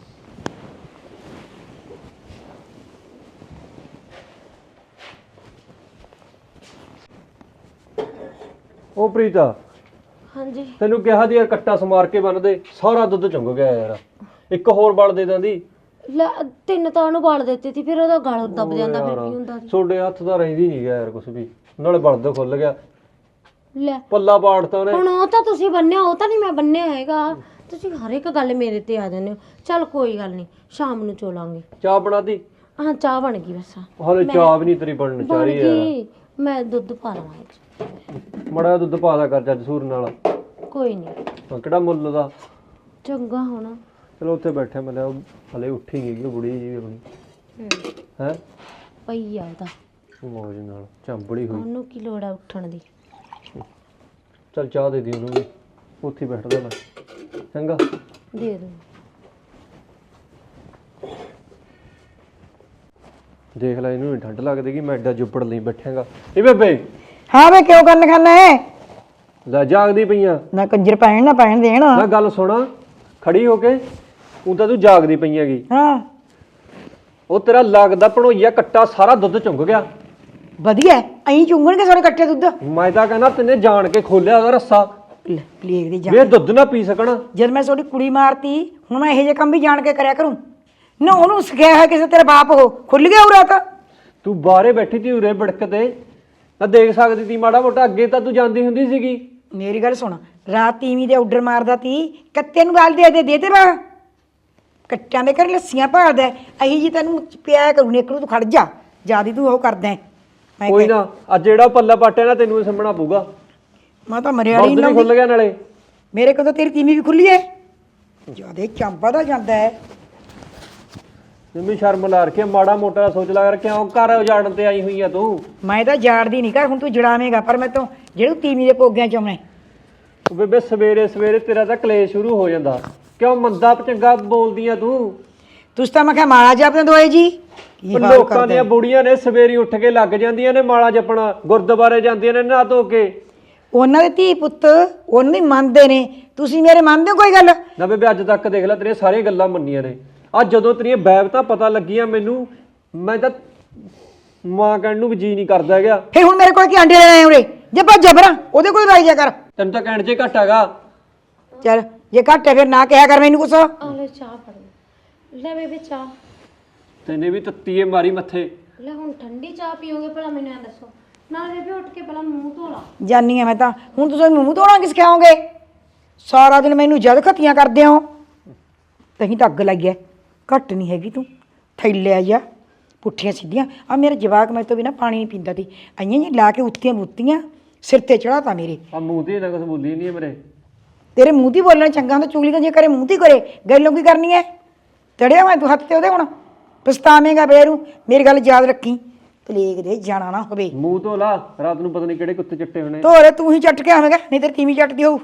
[SPEAKER 2] ਉਹ ਪ੍ਰੀਤਾ
[SPEAKER 1] ਹਾਂਜੀ
[SPEAKER 2] ਤੈਨੂੰ ਕਿਹਾ ਦੀ ਯਾਰ ਕੱਟਾ ਸਮਾਰ ਕੇ ਬੰਨ ਦੇ, ਸਾਰਾ ਦੁੱਧ ਚੁੰਗ ਗਿਆ ਯਾਰ। ਇੱਕ ਹੋਰ ਬਲ ਦੇ ਦਿੰਦੀ।
[SPEAKER 1] ਲੈ 3 ਤਾਂ ਉਹਨੂੰ ਬਾਲ ਦਿੱਤੀ ਸੀ, ਫਿਰ ਉਹਦਾ ਗਲ ਦੱਬ ਜਾਂਦਾ, ਫਿਰ ਕੀ ਹੁੰਦਾ ਸੀ?
[SPEAKER 2] ਤੁਹਾਡੇ ਹੱਥ ਦਾ ਰਹਿੰਦੀ ਨਹੀਂ ਗਿਆ ਯਾਰ ਕੁਛ ਵੀ, ਨਾਲੇ ਬਲਦ ਖੁੱਲ ਗਿਆ,
[SPEAKER 1] ਲੈ
[SPEAKER 2] ਪੱਲਾ ਪਾੜਤਾ ਉਹਨੇ।
[SPEAKER 1] ਹੁਣ ਉਹ ਤਾਂ ਤੁਸੀਂ ਬੰਨਿਆ, ਉਹ ਤਾਂ ਨਹੀਂ ਮੈਂ ਬੰਨਿਆ ਹੈਗਾ। ਤੁਸੀਂ ਹਰ ਇੱਕ ਗੱਲ ਮੇਰੇ ਤੇ ਆ ਜਾਂਦੇ ਹੋ। ਚੱਲ ਕੋਈ ਗੱਲ ਨਹੀਂ, ਸ਼ਾਮ ਨੂੰ ਚੋਲਾਂਗੇ।
[SPEAKER 2] ਚਾਹ ਬਣਾਦੀ?
[SPEAKER 1] ਹਾਂ ਚਾਹ ਬਣ ਗਈ ਬਸ।
[SPEAKER 2] ਹਾਲੇ ਚਾਹ ਵੀ ਨਹੀਂ ਤੇਰੀ ਬਣਨ
[SPEAKER 1] ਬਣ
[SPEAKER 2] ਚਾਹੀ ਯਾਰ।
[SPEAKER 1] ਗਈ, ਮੈਂ ਦੁੱਧ ਪਾ ਲਵਾਂ ਇਹ 'ਚ।
[SPEAKER 2] ਮੜਾ ਦੁੱਧ ਪਾ ਦਾ ਕਰ ਜੱਜ ਸੂਰ ਨਾਲ।
[SPEAKER 1] ਕੋਈ ਨਹੀਂ,
[SPEAKER 2] ਹਾਂ, ਕਿਹੜਾ ਮੁੱਲ ਦਾ।
[SPEAKER 1] ਚੰਗਾ ਹੋਣਾ।
[SPEAKER 2] ਚਲੋ ਉੱਥੇ ਬੈਠੇ ਮੈਂ ਲਿਆ, ਹਲੇ ਉੱਠੀ ਗਈ ਉਹ ਬੁੜੀ ਜੀ ਆਪਣੀ ਹੈ।
[SPEAKER 1] ਪਈ ਆ ਉਹਦਾ
[SPEAKER 2] ਮੌਜ ਨਾਲ ਚੰਬੜੀ ਹੋਈ।
[SPEAKER 1] ਉਹਨੂੰ ਕੀ ਲੋੜ ਆ ਉੱਠਣ ਦੀ?
[SPEAKER 2] ਚੱਲ ਚਾਹ ਦੇ ਦੀ ਉਹਨੂੰ ਵੀ, ਉੱਥੇ ਹੀ ਬੈਠਦਾ ਮੈਂ ਚੰਗਾ।
[SPEAKER 1] ਦੇ ਦੋ।
[SPEAKER 2] ਦੇਖ ਲੈ ਇਹਨੂੰ ਠੰਡ ਲੱਗਦੀ ਕਿ ਮੈਂ ਐਡਾ ਜੁੱਪੜ ਲਈ ਬੈਠਾਂਗਾ। ਇਹ ਬੇਬੇ
[SPEAKER 3] ਹਾਂ ਵੇ ਕਿਉਂ ਗੱਲ ਕਰਨਾ ਹੈ?
[SPEAKER 2] ਲੈ ਜਾਗਦੀ ਪਈਆਂ
[SPEAKER 3] ਨਾ ਕੰਜਰ ਪੈਣ ਨਾ ਪੈਣ ਦੇਣ।
[SPEAKER 2] ਨਾ ਗੱਲ ਸੁਣਾ ਖੜੀ ਹੋ ਕੇ, ਉਹ ਤਾਂ ਤੂੰ ਜਾਗਦੀ ਪਈ ਹੈਗੀ।
[SPEAKER 3] ਹਾਂ
[SPEAKER 2] ਉਹ ਤੇਰਾ ਲੱਗਦਾ ਭਣੋਈਆ ਕੱਟਾ ਸਾਰਾ ਦੁੱਧ ਚੁੰਗ ਗਿਆ।
[SPEAKER 3] ਵਧੀਆ ਐਂ ਚੁੰਗਣਗੇ ਸਾਰੇ ਇਕੱਠੇ ਦੁੱਧ।
[SPEAKER 2] ਮੈਂ ਤਾਂ ਕਹਿੰਦਾ ਤੈਨੇ ਜਾਣ ਕੇ ਖੋਲਿਆ ਉਹਦਾ ਰੱਸਾ
[SPEAKER 3] ਲੈ ਪਲੀਗ ਦੀ
[SPEAKER 2] ਵੀ
[SPEAKER 3] ਜਾਨ।
[SPEAKER 2] ਇਹ ਦੁੱਧ ਨਾ ਪੀ ਸਕਣ।
[SPEAKER 3] ਜਦ ਮੈਂ ਤੁਹਾਡੀ ਕੁੜੀ ਮਾਰਤੀ, ਹੁਣ ਮੈਂ ਇਹੋ ਜਿਹੇ ਕੰਮ ਵੀ ਜਾਣ ਕੇ ਕਰਿਆ ਕਰੂੰ ਨਾ? ਉਹਨੂੰ ਸਿਖਾਇਆ ਹੈ ਕਿਸੇ ਤੇਰਾ ਬਾਪ, ਉਹ ਖੁੱਲ ਗਿਆ ਉਰਾ ਤਾਂ।
[SPEAKER 2] ਤੂੰ ਬਾਹਰੇ ਬੈਠੀ ਤੀ ਉਰੇ ਬੜਕ ਤੇ ਤਾਂ ਦੇਖ ਸਕਦੀ ਤੀ ਮਾੜਾ ਮੋਟਾ। ਅੱਗੇ ਤਾਂ ਤੂੰ ਜਾਂਦੀ ਹੁੰਦੀ ਸੀਗੀ।
[SPEAKER 3] ਮੇਰੀ ਗੱਲ ਸੁਣ, ਰਾਤ ਤੀਵੀਂ ਦੇ ਆਰਡਰ ਮਾਰਦਾ ਤੀ, ਕੱਤੇ ਨੂੰ ਗੱਲ ਦੇ ਤੇ ਬਾ ਕੱਟਿਆਂ ਦੇ ਘਰ ਲੱਸੀਆਂ ਭਾਲਦਾ। ਅਹੀ ਜੀ ਤੈਨੂੰ ਪਿਆ ਕਰੂ ਨੇ, ਇੱਕ ਨੂੰ ਤੂੰ ਖੜ ਜਾ, ਜਿਆਦੀ ਤੂੰ ਉਹ ਕਰਦਾ ਹੈ। ਮੈਂ
[SPEAKER 2] ਕੋਈ ਨਾ, ਅੱਜ ਜਿਹੜਾ ਪੱਲਾ ਪਾਟਿਆ ਨਾ ਤੈਨੂੰ ਸੰਭਣਾ ਪਊਗਾ।
[SPEAKER 3] ਮੈਂ ਤਾਂ ਮਰਿਆਲੀ
[SPEAKER 2] ਨਹੀਂ ਖੁੱਲ ਗਿਆ ਨਾਲੇ।
[SPEAKER 3] ਮੇਰੇ ਕੋਲ ਤਾਂ ਤੇਰੀ ਤੀਵੀਂ ਵੀ ਖੁੱਲੀ ਹੈ। ਜਿਆਦੇ ਚੰਬਾ ਦਾ ਜਾਂਦਾ ਹੈ।
[SPEAKER 2] ਮੰਮੀ ਸ਼ਰਮ ਲਾ ਰੱਖੀ ਆ, ਮਾੜਾ ਮੋਟਾ ਸੋਚ ਲਾ ਕਰ, ਕਿਉਂ ਘਰ ਉਜਾੜਨ ਤੇ ਆਈ ਹੋਈ ਆ ਤੂੰ?
[SPEAKER 3] ਮੈਂ ਤਾਂ ਜਾੜਦੀ ਨਹੀਂ ਕਰ, ਹੁਣ ਤੂੰ ਜੜਾਵੇਂਗਾ ਪਰ ਮੈਂ ਤੋਂ ਜਿਹੜੇ ਤੀਵੀਂ ਦੇ ਪੋਗਿਆਂ ਚ ਆਉਣੇ।
[SPEAKER 2] ਉਹ ਬੇਬੇ ਸਵੇਰੇ ਸਵੇਰੇ ਤੇਰਾ ਤਾਂ ਕਲੇਸ਼ ਸ਼ੁਰੂ ਹੋ ਜਾਂਦਾ, ਕਿਉਂ ਮੰਦਾ ਚੰਗਾ ਬੋਲਦੀ ਆ ਤੂੰ?
[SPEAKER 3] ਤੁਸੀਂ ਤਾਂ ਮੈਂ ਕਿਹਾ ਮਾਲਾ ਜਪਦੇ ਦੋਏ ਜੀ। ਕੀ
[SPEAKER 2] ਉਹ
[SPEAKER 3] ਹਾਲ
[SPEAKER 2] ਲੋਕਾਂ
[SPEAKER 3] ਕਰਦੇ
[SPEAKER 2] ਦੀਆਂ ਬੁੜੀਆਂ ਨੇ ਸਵੇਰੀ ਉੱਠ ਕੇ ਲੱਗ ਜਾਂਦੀਆਂ ਨੇ ਮਾਲਾ ਜਪਣਾ, ਗੁਰਦੁਆਰੇ ਜਾਂਦੀਆਂ ਨੇ ਨਹਾ ਧੋ ਕੇ।
[SPEAKER 3] ਉਹਨਾਂ ਦੇ ਧੀ ਪੁੱਤ ਉਹਨੂੰ ਹੀ ਮੰਨਦੇ ਨੇ, ਤੁਸੀਂ ਮੇਰੇ ਮੰਨਦੇ ਹੋ ਕੋਈ ਗੱਲ?
[SPEAKER 2] ਨਾ ਬੇਬੇ ਅੱਜ ਤੱਕ ਦੇਖ ਲੈ ਤੇਰੀਆਂ ਸਾਰੀਆਂ ਗੱਲਾਂ ਮੰਨੀਆਂ ਨੇ, ਅੱਜ ਜਦੋਂ ਤੇਰੀਆਂ ਬੈਬਤਾਂ ਪਤਾ ਲੱਗੀਆਂ ਮੈਨੂੰ, ਮੈਂ ਤਾਂ ਮਾਂ ਕਹਿਣ ਨੂੰ ਵੀ ਜੀ ਨਹੀਂ ਕਰਦਾ ਹੈਗਾ।
[SPEAKER 3] ਫੇ ਹੁਣ ਮੇਰੇ ਕੋਲ ਕੀ ਆਂਡੇ ਲੈਣੇ ਉਰੇ? ਜੇ ਭੱਜ ਜਬਰਾਂ ਉਹਦੇ ਕੋਲ ਰਾਈ ਜਾ ਕਰ।
[SPEAKER 2] ਤੈਨੂੰ ਤਾਂ ਕਹਿਣ 'ਚ ਘੱਟ ਹੈਗਾ।
[SPEAKER 3] ਚੱਲ ਜੇ ਘੱਟ ਹੈ ਫਿਰ ਨਾ ਕਿਹਾ ਕਰ ਮੈਨੂੰ ਕੁਛ।
[SPEAKER 1] ਆ ਲੈ ਚਾਹ ਫੜ ਲੈ ਬੇਬੇ ਚਾਹ।
[SPEAKER 2] ਤੈਨੇ ਵੀ ਤੱਤੀਏ ਮਾਰੀ ਮੱਥੇ।
[SPEAKER 1] ਲੈ ਹੁਣ ਠੰਡੀ ਚਾਹ ਪੀਓਗੇ ਭਲਾ ਮੈਨੂੰ ਐ ਦੱਸੋ? ਨਾਲ ਬੇਬੇ ਉੱਠ ਕੇ ਪਹਿਲਾਂ ਮੂੰਹ ਧੋ ਲਾ।
[SPEAKER 3] ਜਾਨੀ ਆ ਮੈਂ ਤਾਂ, ਹੁਣ ਤੁਸੀਂ ਮੂੰਹ ਧੋਣਾ ਕਿਸ ਸਿਖਾਓਗੇ? ਸਾਰਾ ਦਿਨ ਮੈਨੂੰ ਜਦ ਖੱਤੀਆਂ ਕਰਦੇ ਹੋ। ਤਹੀਂ ਤਾਂ ਅੱਗ ਲੱਗੀ ਐ, ਘੱਟ ਨਹੀਂ ਹੈਗੀ ਤੂੰ। ਥੈਲਿਆ ਜਾ ਪੁੱਠੀਆਂ ਸਿੱਧੀਆਂ। ਆ ਮੇਰੇ ਜਵਾਕ ਮੈਂ ਤੋਂ ਬਿਨਾ ਪਾਣੀ ਨਹੀਂ ਪੀਂਦਾ ਤੀ, ਆਈਆਂ ਜੀ ਲਾ ਕੇ ਉੱਤੀਆਂ ਬੁੱਤੀਆਂ ਸਿਰ ਤੇ ਚੜਾਤਾ ਮੇਰੇ।
[SPEAKER 2] ਆ ਮੂੰਹ ਤੇ ਨਾ ਕੁਝ ਬੋਲੀ ਨਹੀਂ ਮੇਰੇ।
[SPEAKER 3] ਤੇਰੇ ਮੂੰਹ ਦੀ ਬੋਲਣਾ ਚੰਗਾ ਹੁੰਦਾ, ਚੁਗਲੀ ਤਾਂ ਜੇ ਕਰੇ ਮੂੰਹ ਦੀ ਕਰੇ, ਗੱਲੋਂ ਕੀ ਕਰਨੀ ਐ? ਚੜਿਆ ਮੈਂ ਤੂੰ ਹੱਥ ਤੇ ਉਹਦੇ, ਹੁਣ ਪਛਤਾਵੇਂਗਾ ਬੇਰੂ। ਮੇਰੀ ਗੱਲ ਯਾਦ ਰੱਖੀ, ਪਲੇਗ ਦੇ ਜਾਣਾ ਨਾ ਹੋਵੇ।
[SPEAKER 2] ਮੂੰਹ ਧੋ ਲਾ, ਰਾਤ ਨੂੰ ਪਤਾ ਨਹੀਂ ਕਿਹੜੇ ਕੁੱਤੇ ਚੱਟੇ ਹੋਣੇ।
[SPEAKER 3] ਧੋਰੇ ਤੂੰ ਹੀ ਚੱਟ ਕੇ ਆਵੇਂਗਾ, ਨਹੀਂ ਤੇਰੀ ਤੀਵੀਂ ਚੱਟਦੀ ਹੋਊ।